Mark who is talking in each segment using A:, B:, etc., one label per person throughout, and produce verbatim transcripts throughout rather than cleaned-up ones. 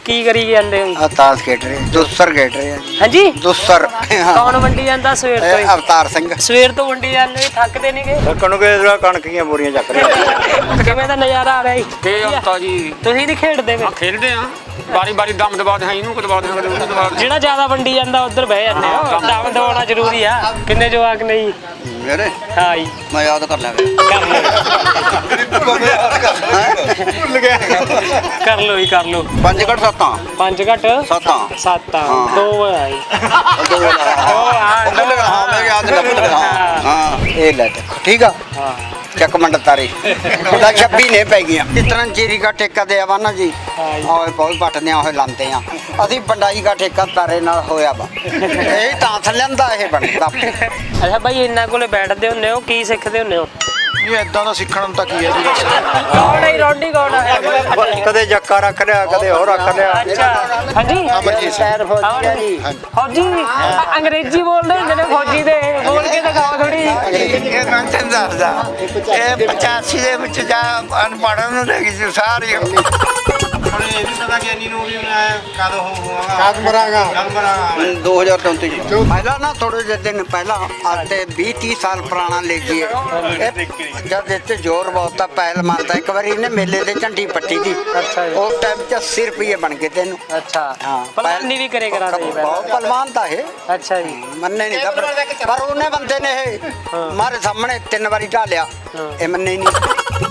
A: ਕੀ ਕਰੀ ਜਾਂਦੇ ਹੋ?
B: ਅਵਤਾਰ ਖੇਡ ਰਹੇ ਦੁਸਰ ਖੇਡ ਰਹੇ ਆ ਜੀ।
A: ਹਾਂਜੀ
B: ਦੁਸਰ
A: ਕੌਣ ਵੰਡੀ ਜਾਂਦਾ ਸਵੇਰ ਤੋਂ ਹੀ?
B: ਅਵਤਾਰ ਸਿੰਘ
A: ਸਵੇਰ ਤੋਂ ਵੰਡੀ ਜਾਂਦੇ, ਥੱਕਦੇ ਨਹੀਂਗੇ?
B: ਕਣਕ ਕਣਕ ਦੀਆਂ ਬੋਰੀਆਂ ਚੱਕ ਰਹੇ।
A: ਕਿਵੇਂ ਦਾ ਨਜ਼ਾਰਾ ਆ ਰਿਹਾ ਜੀ?
C: ਤੇ ਹਫਤਾ ਜੀ
A: ਤੁਸੀਂ ਨਹੀਂ ਖੇਡਦੇ ਵੇ?
C: ਖੇਡਦੇ ਆ ਬਾਰੀ ਬਾਰੀ ਦਮ ਦਬਾ ਦੇ ਇਹਨੂੰ ਕਦਵਾ ਦੇ ਉਹਨੂੰ ਦਬਾ ਦੇ
A: ਜਿਹੜਾ ਜ਼ਿਆਦਾ ਵੰਡੀ ਜਾਂਦਾ ਉੱਧਰ ਬਹਿ ਜਾਂਦੇ ਹੋ। ਦਮ ਦਵਾਉਣਾ ਜ਼ਰੂਰੀ ਆ। ਕਿੰਨੇ ਜਵਾਕ ਨੇ ਜੀ?
B: ਮੇਰੇ
A: ਹਾਂ ਜੀ
B: ਮੈਂ ਯਾਦ ਕਰ ਲਿਆ
A: ਕਰ ਲਓ
B: ਭੁੱਲ ਗਿਆ।
A: ਕਰ ਲਓ ਜੀ ਕਰ ਲਓ।
B: ਪੰਜ ਘੱਟ ਸੱਤਾਂ
A: ਪੰਜ ਘੱਟ
B: ਸੱਤਾਂ
A: ਸੱਤ ਆ
B: ਹਾਂ।
A: ਦੋ ਆ ਜੀ।
B: ਦੋ ਹਾਂ ਭੁੱਲ ਗਿਆ ਹਾਂ ਮੈਂ ਯਾਦ ਕਰ ਭੁੱਲ ਗਿਆ ਹਾਂ ਹਾਂ ਇਹ ਲੈ ਦੇਖੋ ਠੀਕ ਆ
A: ਹਾਂ
B: ਚੱਕ ਮੰਡ ਤਾਰੀ ਉਹਦਾ ਛੱਬੀ ਨੇ ਪੈ ਗਈਆਂ ਇਤਨਾ ਜੀਰੀ ਦਾ ਠੇਕਾ ਦੇ ਆਵਾ ਨਾ ਜੀ
A: ਹਾਂ ਜੀ।
B: ਆਏ ਬਹੁਤ ਪੱਟਦੇ ਹੋਏ ਲਾਂਦੇ ਆ ਅਸੀਂ ਬੰਡਾਈ ਦਾ ਠੇਕਾ ਤਾਰੇ ਨਾਲ ਹੋਇਆ ਵਾ ਇਹ ਤਾਂ ਥੱਲੰਦਾ ਇਹ ਬਣਦਾ।
A: ਅੱਛਾ ਬਾਈ ਇਹਨਾਂ ਕੋਲੇ ਬੈਠਦੇ ਹੁੰਦੇ ਹੋ, ਕੀ ਸਿੱਖਦੇ ਹੁੰਦੇ ਹੋ?
D: ਨਹੀਂ ਏਦਾਂ ਦਾ ਸਿੱਖਣ ਨੂੰ ਤਾਂ ਕੀ ਹੈ ਜੀ ਬਸ।
A: ਕੌਣ ਹੈ ਰੌਡੀ ਕੌਣ ਹੈ?
B: ਕਦੇ ਜੱਕਾ ਰੱਖ ਲਿਆ ਕਦੇ ਹੋਰ ਰੱਖ ਲਿਆ।
A: ਅੱਛਾ ਹਾਂਜੀ
D: ਅਮਰਜੀਤ ਸਿੰਘ
A: ਫੌਜੀ ਫੌਜੀ ਅੰਗਰੇਜ਼ੀ ਬੋਲਦੇ ਹੁੰਦੇ ਨੇ ਫੌਜੀ ਦੇ, ਬੋਲ ਕੇ ਦਿਖਾਓ ਥੋੜੀ।
E: ਇਹ ਮੈਂ ਤੈਨੂੰ ਦੱਸਦਾ ਇਹ ਪਚਾਸੀ ਦੇ ਵਿੱਚ ਜਾ ਅਨਪੜ੍ਹਨ ਨੂੰ ਲੈ ਗਈ ਸੀ ਸਾਰੀ
D: ਹੁਣ ਇਹ ਵੀ ਪਤਾ ਗਿਆਨੀ ਨੂੰ ਵੀ ਮੈਂ ਕਦ ਹੋਵਾਂਗਾ ਕਦ ਮਰਾਂਗਾ ਕਦ ਮਰਾਂਗਾ
B: ਦੋ ਹਜ਼ਾਰ ਚੌਂਤੀ ਚ ਪਹਿਲਾਂ ਨਾ ਥੋੜੇ ਜਿਹੇ ਦਿਨ ਪਹਿਲਾਂ ਅੱਜ ਤੇ ਵੀਹ ਤੀਹ ਸਾਲ ਪੁਰਾਣਾ ਲੈ ਜੀਏ ਜਦ ਇੱਥੇ ਜ਼ੋਰ ਬਹੁਤ ਆ ਪਹਿਲ ਮਾਰਦਾ ਇੱਕ ਵਾਰੀ ਇਹਨੇ ਮੇਲੇ ਦੇ ਝੰਡੀ ਪੱਟੀ ਦੀ
A: ਅੱਛਾ ਜੀ।
B: ਉਸ ਟਾਈਮ ਚ ਅੱਸੀ ਰੁਪਏ ਬਣ ਗਏ ਤੈਨੂੰ।
A: ਅੱਛਾ
B: ਹਾਂ
A: ਪਲਾਨੀ ਵੀ ਕਰੇ ਕਰਾ ਦੇ
B: ਬਹੁਤ ਪਹਿਲਵਾਨ ਤਾਂ ਇਹ
A: ਅੱਛਾ ਜੀ।
B: ਮੰਨੇ ਨਹੀਂ ਤਾਂ ਪਰ- ਪਰ ਉਹਨੇ ਬੰਦੇ ਨੇ ਇਹ ਮਾਰੇ ਸਾਹਮਣੇ ਤਿੰਨ ਵਾਰੀ ਢਾਲਿਆ ਇਹ ਮੰਨੇ ਨਹੀਂ।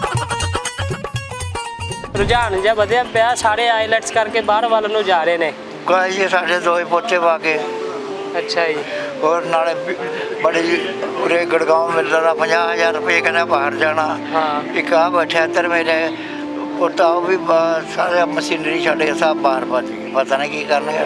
A: ਰੁਝਾਨ ਜਿਹਾ ਵਧਿਆ ਪਿਆ, ਸਾਰੇ ਆਈਲੈਟਸ ਕਰਕੇ ਬਾਹਰ ਵੱਲ ਨੂੰ ਜਾ ਰਹੇ ਨੇ।
E: ਕੋਈ ਜੀ ਸਾਡੇ ਦੋ ਹੀ ਪੋਤੇ ਪਾ ਕੇ
A: ਅੱਛਾ ਜੀ।
E: ਹੋਰ ਨਾਲੇ ਵੀ ਬੜੇ ਜੀ ਉਰੇ ਗੜਗਾਉਂ ਮਿਲਦਾ ਦਾ ਪੰਜਾਹ ਹਜ਼ਾਰ ਰੁਪਏ ਕਹਿੰਦਾ ਬਾਹਰ ਜਾਣਾ।
A: ਹਾਂ
E: ਇੱਕ ਆ ਬੈਠਾ ਇੱਧਰ ਮੇਰੇ ਪੋਤਾ ਉਹ ਵੀ ਬਾ- ਸਾਰੇ ਮਸ਼ੀਨਰੀ ਛੱਡ ਕੇ ਸਭ ਬਾਹਰ ਭੱਜ ਗਏ, ਪਤਾ ਨਹੀਂ ਕੀ ਕਰਨਗੇ।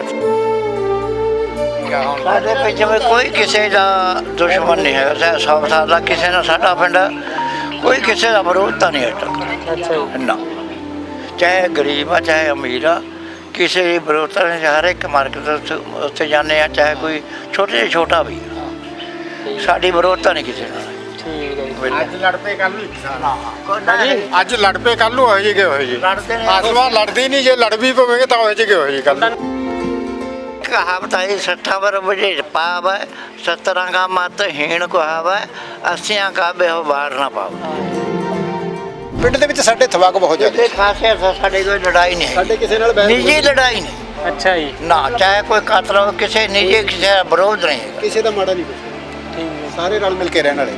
E: ਸਾਡੇ ਪਿੰਡ ਵਿੱਚ ਕੋਈ ਕਿਸੇ ਦਾ ਦੁਸ਼ਮਣ ਨਹੀਂ ਹੈ, ਚਾਹੇ ਸੌ ਸਾਲ ਦਾ ਕਿਸੇ ਨਾਲ ਸਾਡਾ ਪਿੰਡ ਕੋਈ ਕਿਸੇ ਦਾ ਵਿਰੋਧ ਤਾਂ ਨਹੀਂ ਹੈ।
A: ਅੱਛਾ ਜੀ।
E: ਨਾ ਚਾਹੇ ਗਰੀਬ ਆ ਚਾਹੇ ਅਮੀਰ ਆ ਕਿਸੇ ਦੀ ਵਿਰੋਧਤਾ ਨਹੀਂ। ਹਰ ਇੱਕ ਮਾਰਕੀਟ ਉੱਥੇ ਉੱਥੇ ਜਾਂਦੇ ਆ ਚਾਹੇ ਕੋਈ ਛੋਟੇ ਤੋਂ ਛੋਟਾ ਵੀ ਆ। ਸਾਡੀ ਵਿਰੋਧਤਾ ਨਹੀਂ ਕਿਸੇ ਨਾਲ।
A: ਠੀਕ ਹੈ ਜੀ।
D: ਅੱਜ ਲੜ ਪਏ ਕੱਲ ਨੂੰ ਇੱਕ ਸਾਲ
A: ਹਾਂਜੀ
D: ਅੱਜ ਲੜ ਪਏ ਕੱਲ ਨੂੰ ਹੋਏ ਜੀ ਹੋਏ ਜੀ
E: ਲੜਦੇ ਨੇ
D: ਆਸਵਾਰ ਲੜਦੇ ਹੀ ਨਹੀਂ ਜੇ ਲੜ ਵੀ ਪਵੇਂਗੇ ਤਾਂ ਹੋਏ ਜੀ ਹੋਏ ਜੀ ਕੱਲ
E: ਕਹਾਵਤ ਆਈ ਸੱਠਾ ਵਰ ਵਜੇ ਪਾਵ ਹੈ ਸਤਰਾਂ ਕਾ ਮਤ ਹੀਣ ਕਹਾਵ ਹੈ ਅੱਸੀਆਂ ਕਾ ਬਿਵਹਾਰ ਨਾ ਪਾਵ।
D: ਪਿੰਡ ਦੇ ਵਿੱਚ ਸਾਡੇ ਥਵਾਕ ਬਹੁਤ ਜ਼ਿਆਦਾ
E: ਇਹ ਖਾਸੇ ਸਾਡੇ ਕੋਈ ਲੜਾਈ ਨਹੀਂ ਹੈ,
D: ਸਾਡੇ ਕਿਸੇ ਨਾਲ
E: ਨਿੱਜੀ ਲੜਾਈ ਨਹੀਂ।
A: ਅੱਛਾ ਜੀ।
E: ਨਾ ਚਾਹੇ ਕੋਈ ਕਾਤਲ ਹੋਵੇ ਕਿਸੇ ਨਿੱਜੀ ਕਿਸੇ ਦਾ ਵਿਰੋਧ ਨਹੀਂ ਹੈਗਾ।
D: ਕਿਸੇ ਦਾ ਮਾੜਾ ਨਹੀਂ ਕੁਛ
A: ਠੀਕ ਹੈ।
D: ਸਾਰੇ ਰਲ ਮਿਲ ਕੇ ਰਹਿਣ ਵਾਲੇ।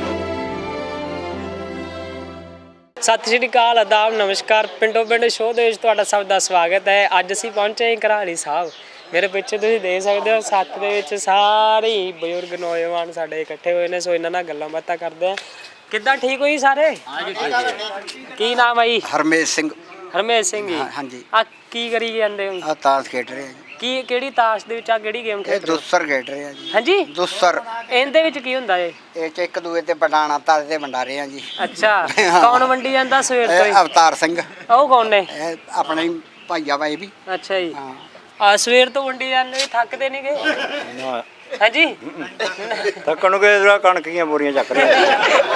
A: ਸਤਿ ਸ਼੍ਰੀ ਅਕਾਲ, ਆਦਾਬ, ਨਮਸਕਾਰ। ਪਿੰਡੋ ਪਿੰਡ ਸ਼ੋਅ ਦੇ ਵਿੱਚ ਤੁਹਾਡਾ ਸਭ ਦਾ ਸਵਾਗਤ ਹੈ। ਅੱਜ ਅਸੀਂ ਪਹੁੰਚੇ ਹਾਂ ਘਰਾਲੀ ਸਾਹਿਬ। ਮੇਰੇ ਪਿੱਛੇ ਤੁਸੀਂ ਦੇਖ ਸਕਦੇ ਹੋ ਸੱਤ ਦੇ ਵਿੱਚ ਸਾਰੇ ਹੀ ਬਜ਼ੁਰਗ ਨੌਜਵਾਨ ਸਾਡੇ ਇਕੱਠੇ ਹੋਏ ਨੇ, ਸੋ ਇਹਨਾਂ ਨਾਲ ਗੱਲਾਂ ਬਾਤਾਂ ਕਰਦੇ ਆ। ਕਿੱਦਾਂ ਠੀਕ ਹੋਈ ਸਾਰੇ? ਕੀ ਨਾਮ ਹੈ ਜੀ?
B: ਹਰਮੇਸ਼ ਸਿੰਘ
A: ਹਰਮੇਸ਼ ਸਿੰਘ ਜੀ।
B: ਹਾਂ- ਹਾਂਜੀ
A: ਆ ਕੀ ਕਰੀ ਜਾਂਦੇ ਹੋ?
B: ਆ ਤਾਸ਼ ਖੇਡ ਰਹੇ ਆ ਜੀ।
A: ਕੀ ਕਿਹੜੀ ਤਾਸ਼ ਦੇ ਵਿੱਚ ਆ ਕਿਹੜੀ ਗੇਮ
B: ਇਹ
A: ਖੇਡ ਰਹੇ ਹੋ?
B: ਦੁਸਰ ਖੇਡ ਰਹੇ ਆ ਜੀ।
A: ਹਾਂਜੀ
B: ਦੁਸਰ
A: ਇਹਦੇ ਵਿੱਚ ਕੀ ਹੁੰਦਾ ਏ?
B: ਇਹ ਚ ਇੱਕ ਦੂਏ ਤੇ ਬਟਾਣਾ ਤਾਰੇ ਤੇ ਵੰਡਾਰੇ ਆ ਜੀ।
A: ਅੱਛਾ
B: ਹਾਂ।
A: ਕੌਣ ਵੰਡੀ ਜਾਂਦਾ ਸਵੇਰ ਤੋਂ ਹੀ?
B: ਇਹ ਅਵਤਾਰ ਸਿੰਘ
A: ਉਹ ਕੌਣ ਨੇ?
B: ਇਹ ਆਪਣਾ ਹੀ ਭਾਈਆ ਵਾ ਇਹ ਵੀ।
A: ਅੱਛਾ ਜੀ।
B: ਹਾਂ
A: ਆ ਸਵੇਰ ਤੋਂ ਵੰਡੀ ਜਾਂਦੇ, ਥੱਕਦੇ ਨਹੀਂਗੇ? ਹਾਂਜੀ
B: ਥੱਕਣ ਨੂੰ ਕੇ ਕਣਕ ਦੀਆਂ ਬੋਰੀਆਂ ਚੱਕ ਰਹੇ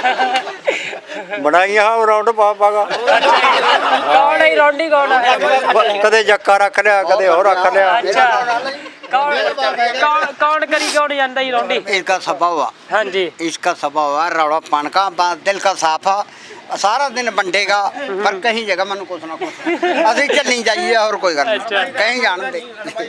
B: ਬਣਾਈਆਂ ਹਾਂ ਰੌਂਡ ਪਾ ਪਾਗਾ
A: ਕੌਣ ਹੈ ਰੌਡੀ ਕੌਣ ਹੈ?
B: ਕਦੇ ਜੱਕਾ ਰੱਖ ਲਿਆ ਕਦੇ ਹੋਰ ਰੱਖ ਲਿਆ।
A: ਅੱਛਾ ਕੌਣ ਕੌਣ ਕੌਣ ਕਰੀ ਕੌਣ ਜਾਂਦਾ ਹੀ ਰੌਡੀ?
B: इसका स्वभाव है
A: ਹਾਂਜੀ
B: इसका स्वभाव है रौड़ा पान का बा- दिल का साफ है सारा दिन बंटेगा पर कहीं जगह मनु कुछ ना कुछ ਅਸੀਂ ਚੱਲੀ ਜਾਈਏ और कोई गल
A: अच्छा।
B: नहीं कहीं जान दे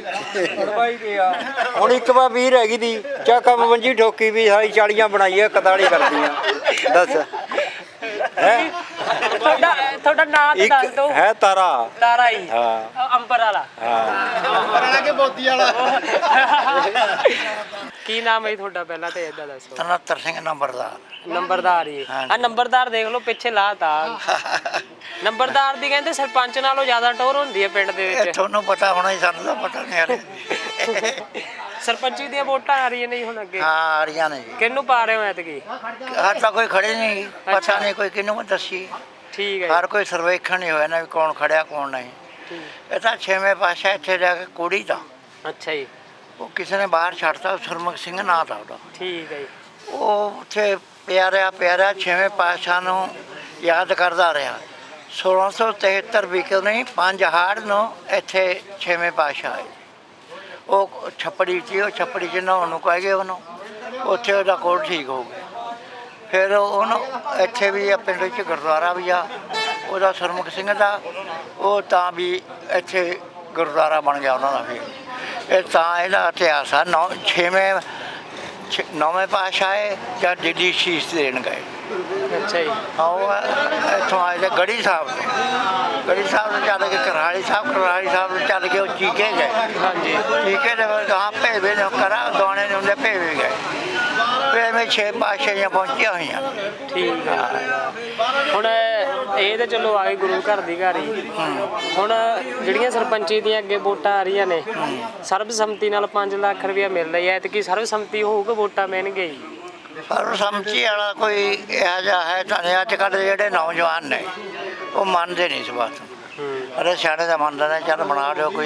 B: ਹੁਣ ਇੱਕ ਵਾਰ ਵੀਰ ਹੈਗੀ ਦੀ ਚਾਕਾ ਪੰਜੀ ਠੋਕੀ ਵੀ ਸਾਰੀ ਚਾਲੀਆਂ ਬਣਾਈਏ ਇਕਤਾਲੀ ਕਰਦੀਆਂ ਦੱਸ ਹੈ
A: ਤੁਹਾਡਾ ਤੁਹਾਡਾ ਨਾਮ ਤਾਂ ਦੱਸ ਦਿਓ।
B: ਹੈ ਤਾਰਾ
A: ਤਾਰਾ ਹੀ।
B: ਹਾਂ।
A: ਅੰਬਰ ਵਾਲਾ।
D: ਬੜਾ ਕੇ ਬੋਦੀ ਵਾਲਾ
A: ਕੀ ਨਾਮ ਹੈ ਤੁਹਾਡਾ ਪਹਿਲਾਂ ਤੇ ਇਦਾਂ ਦੱਸੋ?
E: ਤਨੱਤਰ ਸਿੰਘ ਨੰਬਰਦਾਰ।
A: ਨੰਬਰਦਾਰ ਹੀ। ਆ ਨੰਬਰਦਾਰ ਦੇਖ ਲਓ ਪਿੱਛੇ ਲਾਤਾ। ਨੰਬਰਦਾਰ ਦੀ ਕਹਿੰਦੇ ਸਰਪੰਚ ਨਾਲੋਂ ਜ਼ਿਆਦਾ ਟੋਰ ਹੁੰਦੀ ਹੈ ਪਿੰਡ ਦੇ
E: ਇਹ
A: ਵਿੱਚ।
E: ਤੁਹਾਨੂੰ ਪਤਾ ਹੋਣਾ ਹੀ, ਸਾਨੂੰ ਤਾਂ ਪਤਾ ਨਹੀਂ ਯਾਰ।
A: ਸਰਪੰਚੀ ਦੀਆਂ ਵੋਟਾਂ ਆ ਰਹੀਆਂ ਨੇ ਹੁਣ ਅੱਗੇ।
E: ਹਾਂ ਆ ਰਹੀਆਂ ਨੇ ਜੀ।
A: ਕਿਹਨੂੰ ਪਾ ਰਹੇ ਹੋ ਐਤਕੀ?
E: ਹਰ ਤਾਂ ਕੋਈ ਖੜੇ ਨਹੀਂ,
A: ਅੱਛਾ।
E: ਪਤਾ ਨਹੀਂ ਕੋਈ ਕਿਹਨੂੰ ਦੱਸੀ।
A: ਠੀਕ ਹੈ
E: ਹਰ ਕੋਈ ਸਰਵੇਖਣ ਨਹੀਂ ਹੋਇਆ ਨਾ ਵੀ ਕੌਣ ਖੜਿਆ ਕੌਣ ਨਹੀਂ।
A: ਜੀ।
E: ਇਹ ਤਾਂ ਛੇਵੇਂ ਪਾਤਸ਼ਾਹ ਇੱਥੇ ਜਾ ਕੇ ਕੁੜੀ ਦਾ
A: ਅੱਛਾ ਜੀ।
E: ਉਹ ਕਿਸੇ ਨੇ ਬਾਹਰ ਛੱਡਤਾ, ਸੁਰਮੁਖ ਸਿੰਘ ਨਾਂ ਦਾ ਉਹਦਾ।
A: ਠੀਕ ਹੈ ਜੀ।
E: ਉਹ ਉੱਥੇ ਪਿਆਰਿਆ ਪਿਆਰਿਆ ਛੇਵੇਂ ਪਾਤਸ਼ਾਹ ਨੂੰ ਯਾਦ ਕਰਦਾ ਰਿਹਾ। ਸੋਲਾਂ ਸੌ ਤਿਹੱਤਰ ਵਿਕੋ ਨਹੀਂ ਪੰਜ ਹਾੜ ਨੂੰ ਇੱਥੇ ਛੇਵੇਂ ਪਾਤਸ਼ਾਹ ਆਏ। ਉਹ ਛੱਪੜੀ 'ਚ ਉਹ ਛੱਪੜੀ 'ਚ ਨਹਾਉਣ ਨੂੰ ਕਹਿ ਗਏ ਉਹਨੂੰ, ਉੱਥੇ ਉਹਦਾ ਕੋਲ ਠੀਕ ਹੋ ਗਿਆ। ਫਿਰ ਉਹਨੂੰ ਇੱਥੇ ਵੀ ਆ ਪਿੰਡ ਵਿੱਚ ਗੁਰਦੁਆਰਾ ਵੀ ਆ ਉਹਦਾ ਸਰਮੁਖ ਸਿੰਘ ਦਾ, ਉਹ ਤਾਂ ਵੀ ਇੱਥੇ ਗੁਰਦੁਆਰਾ ਬਣ ਗਿਆ ਉਹਨਾਂ ਦਾ। ਫਿਰ ਇਹ ਤਾਂ ਇਹਦਾ ਇਤਿਹਾਸ ਆ। ਨੌ ਛੇਵੇਂ ਛੇ ਨੌਵੇਂ ਪਾਤਸ਼ਾਹ ਆਏ ਜਾਂ ਦਿੱਲੀ ਸ਼ੀਸ਼ ਦੇਣ ਗਏ।
A: ਅੱਛਾ ਜੀ।
E: ਹਾਂ ਉਹ ਇੱਥੋਂ ਆਏ ਤੇ ਗੜੀ ਸਾਹਿਬ ਤੋਂ ਗੜੀ ਸਾਹਿਬ ਤੋਂ ਚੱਲ ਕੇ ਕਰਹਾਲੀ ਸਾਹਿਬ ਕਰਹਾਲੀ ਸਾਹਿਬ ਤੋਂ ਚੱਲ ਕੇ ਉਹ ਚੀਕੇ ਗਏ।
A: ਹਾਂਜੀ।
E: ਚੀਕੇ ਦੇ ਗਾਂ ਭੇਵੇ ਨੇ ਕਰਾ ਦੋਣੇ ਨੇ ਉਹਦੇ ਭੇਵੇ ਗਏ। ਫਿਰ ਐਵੇਂ ਛੇ ਪਾਤਸ਼ਾਹੀਆਂ ਪਹੁੰਚੀਆਂ ਹੋਈਆਂ।
A: ਠੀਕ ਹੈ। ਹੁਣ ਇਹ ਤਾਂ ਚਲੋ ਆ ਗਈ ਗੁਰੂ ਘਰ ਦੀ ਘਰ ਹੀ। ਹੁਣ ਜਿਹੜੀਆਂ ਸਰਪੰਚੀ ਦੀਆਂ ਅੱਗੇ ਵੋਟਾਂ ਆ ਰਹੀਆਂ ਨੇ, ਸਰਬਸੰਮਤੀ ਨਾਲ ਪੰਜ ਲੱਖ ਰੁਪਇਆ ਮਿਲ ਰਹੀ ਹੈ, ਤੇ ਕੀ ਸਰਬਸੰਮਤੀ ਹੋਊਗਾ ਵੋਟਾਂ ਮਿਲਣਗੇ ਜੀ?
E: ਸਰਬਸੰਮਤੀ ਵਾਲਾ ਕੋਈ ਇਹੋ ਜਿਹਾ ਹੈ ਤਾਂ ਨਹੀਂ। ਅੱਜ ਕੱਲ੍ਹ ਦੇ ਜਿਹੜੇ ਨੌਜਵਾਨ ਨੇ ਉਹ ਮੰਨਦੇ ਨਹੀਂ ਇਸ ਬਾਤ ਨੂੰ। ਅਰੇ ਸਿਆਣੇ ਦਾ ਮੰਨਦੇ ਨੇ, ਚੱਲ ਬਣਾ ਲਿਓ ਕੋਈ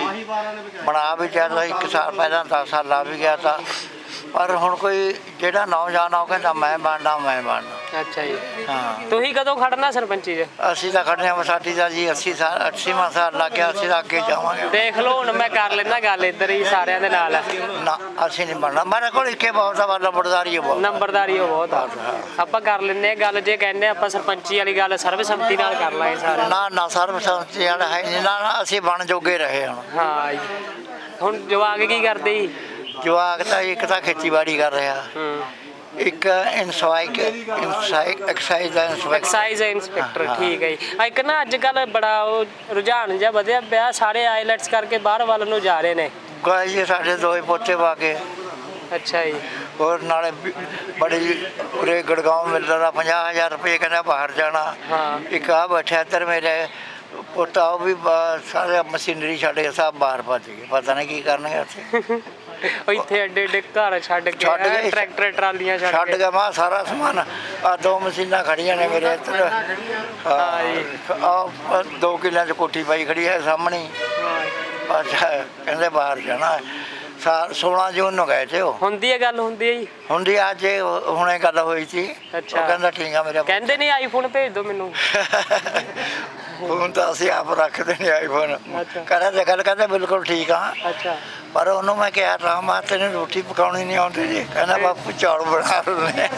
E: ਬਣਾ ਵੀ ਚਾਹਦਾ ਇੱਕ ਸਾਲ ਪਹਿਲਾਂ ਦਸ ਸਾਲ ਲਾ ਵੀ ਗਿਆ ਤਾਂ, ਪਰ ਹੁਣ ਕੋਈ ਜਿਹੜਾ ਨੌਜਵਾਨ ਆ ਉਹ ਕਹਿੰਦਾ ਮੈਂ ਬਣਨਾ ਮੈਂ ਬਣਨਾ।
A: ਅੱਛਾ ਜੀ।
E: ਹਾਂ
A: ਤੁਸੀਂ ਕਦੋਂ ਖੜਨਾ ਸਰਪੰਚੀ 'ਚ?
E: ਅਸੀਂ ਤਾਂ ਖੜਨੇ ਆ ਸਾਡੀ ਦਾ ਜੀ ਅੱਸੀ ਸਾਲ ਅੱਸੀਵਾਂ ਸਾਲ ਲੱਗ ਗਿਆ। ਅਸੀਂ ਤਾਂ ਅੱਗੇ ਜਾਵਾਂਗੇ।
A: ਦੇਖ ਲਓ ਹੁਣ ਮੈਂ ਕਰ ਲੈਣਾ ਗੱਲ ਇੱਧਰ ਹੀ ਸਾਰਿਆਂ ਦੇ ਨਾਲ।
E: ਨਾ ਅਸੀਂ ਨਹੀਂ ਬਣਨਾ। ਮੇਰੇ ਕੋਲ ਇੱਕੇ ਬਹੁਤ ਆ ਨੰਬਰਦਾਰੀ ਬਹੁਤ
A: ਨੰਬਰਦਾਰੀ ਉਹ ਬਹੁਤ ਆ। ਆਪਾਂ ਕਰ ਲੈਂਦੇ ਆ ਗੱਲ। ਜੇ ਕਹਿੰਦੇ ਆਪਾਂ ਸਰਪੰਚੀ ਵਾਲੀ ਗੱਲ ਸਰਬਸੰਮਤੀ ਨਾਲ ਕਰ ਲਾਂਗੇ ਸਾਰੇ।
E: ਨਾ ਨਾ ਸਰਬਸੰਮਤੀ ਵਾਲਾ ਹੈ ਨਹੀਂ। ਨਾ ਨਾ ਅਸੀਂ ਬਣ ਜੋਗੇ ਰਹੇ ਹੁਣ।
A: ਹਾਂ ਜੀ। ਹੁਣ ਜਵਾਕ ਕੀ ਕਰਦੇ ਜੀ?
E: ਜਵਾਕ ਤਾਂ ਇੱਕ ਤਾਂ ਖੇਤੀਬਾੜੀ ਕਰ ਰਿਹਾ,
A: ਹੂੰ।
E: ਇੱਕ ਇਨਸਾਈਕ ਇਨਸਾਈਕ ਐਕਸਾਈਜ਼ ਦਾ ਇੰਸਪੈਕਟਰ।
A: Excise inspector. ਠੀਕ ਹੈ ਜੀ। ਇੱਕ ਨਾ ਅੱਜ ਕੱਲ੍ਹ ਬੜਾ ਉਹ ਰੁਝਾਨ ਜਿਹਾ ਵਧਿਆ ਪਿਆ, ਸਾਰੇ ਆਈਲੈਟਸ ਕਰਕੇ ਬਾਹਰ ਵੱਲ ਨੂੰ ਜਾ ਰਹੇ ਨੇ।
E: ਗਾਇ ਜੀ ਸਾਡੇ ਦੋਏ ਪੋਤੇ ਪਾ ਕੇ।
A: ਅੱਛਾ ਜੀ।
E: ਹੋਰ ਨਾਲੇ ਵੀ ਬੜੀ ਉਰੇ ਗੜਗਾਉਂ ਮਿਲਦਾ ਦਾ ਪੰਜਾਹ ਹਜ਼ਾਰ ਰੁਪਏ ਕਹਿੰਦਾ ਬਾਹਰ ਜਾਣਾ।
A: ਹਾਂ।
E: ਇੱਕ ਆ ਬੈਠਿਆ ਇੱਧਰ ਮੇਰੇ ਪੋਤਾ, ਉਹ ਵੀ ਬਾ- ਸਾਰੇ ਮਸ਼ੀਨਰੀ ਛੱਡ ਕੇ ਸਭ ਬਾਹਰ ਭੱਜ ਗਏ। ਪਤਾ ਨਹੀਂ ਕੀ ਕਰਨਗੇ ਉੱਥੇ।
A: ਉਹ ਇੱਥੇ ਐਡੇ ਐਡੇ ਘਰ ਛੱਡ ਕੇ
E: ਛੱਡ ਗਏ।
A: ਟਰੈਕਟਰ ਟਰਾਲੀਆਂ ਛੱਡ
E: ਛੱਡ
A: ਕੇ।
E: ਕੇ ਮਾ ਸਾਰਾ ਸਮਾਨ ਆ ਦੋ ਮਸ਼ੀਨਾਂ ਖੜੀਆਂ ਨੇ ਮੇਰੇ ਇੱਧਰ।
A: ਹਾਂ ਜੀ।
E: ਆ ਦੋ ਕਿੱਲਿਆਂ 'ਚ ਕੋਠੀ ਪਾਈ ਖੜੀ ਹੈ ਸਾਹਮਣੇ ਹੀ। ਅੱਛਾ ਕਹਿੰਦੇ ਬਾਹਰ ਜਾਣਾ। ਸਾਲ ਸੋਲਾਂ ਜੂਨ ਨੂੰ ਗਏ ਤੇ ਉਹ।
A: ਹੁੰਦੀ ਹੈ ਗੱਲ ਹੁੰਦੀ ਹੈ ਜੀ।
E: ਹੁੰਦੀ ਅੱਜ ਇਹ ਹੁਣੇ ਗੱਲ ਹੋਈ ਸੀ।
A: ਅੱਛਾ।
E: ਉਹ ਕਹਿੰਦਾ ਠੀਕ ਆ ਮੇਰਾ ਪੁੱਤ।
A: ਕਹਿੰਦੇ ਨਹੀਂ ਆਈਫੋਨ ਭੇਜ ਦਿਓ ਮੈਨੂੰ।
E: ਫੋਨ ਤਾਂ ਅਸੀਂ ਆਪ ਰੱਖਦੇ ਨਹੀਂ ਆਈਫੋਨ।
A: ਅੱਛਾ।
E: ਕਹਿੰਦਾ ਤੇ ਗੱਲ ਕਹਿੰਦੇ ਬਿਲਕੁਲ ਠੀਕ ਆ।
A: ਅੱਛਾ।
E: ਪਰ ਉਹਨੂੰ ਮੈਂ ਕਿਹਾ ਰਾਮ ਆ ਤੈਨੂੰ ਰੋਟੀ ਪਕਾਉਣੀ ਨਹੀਂ ਆਉਂਦੀ ਜੀ? ਕਹਿੰਦਾ ਬਾਪੂ ਚੌਲ ਬਣਾ ਲੈਣੇ।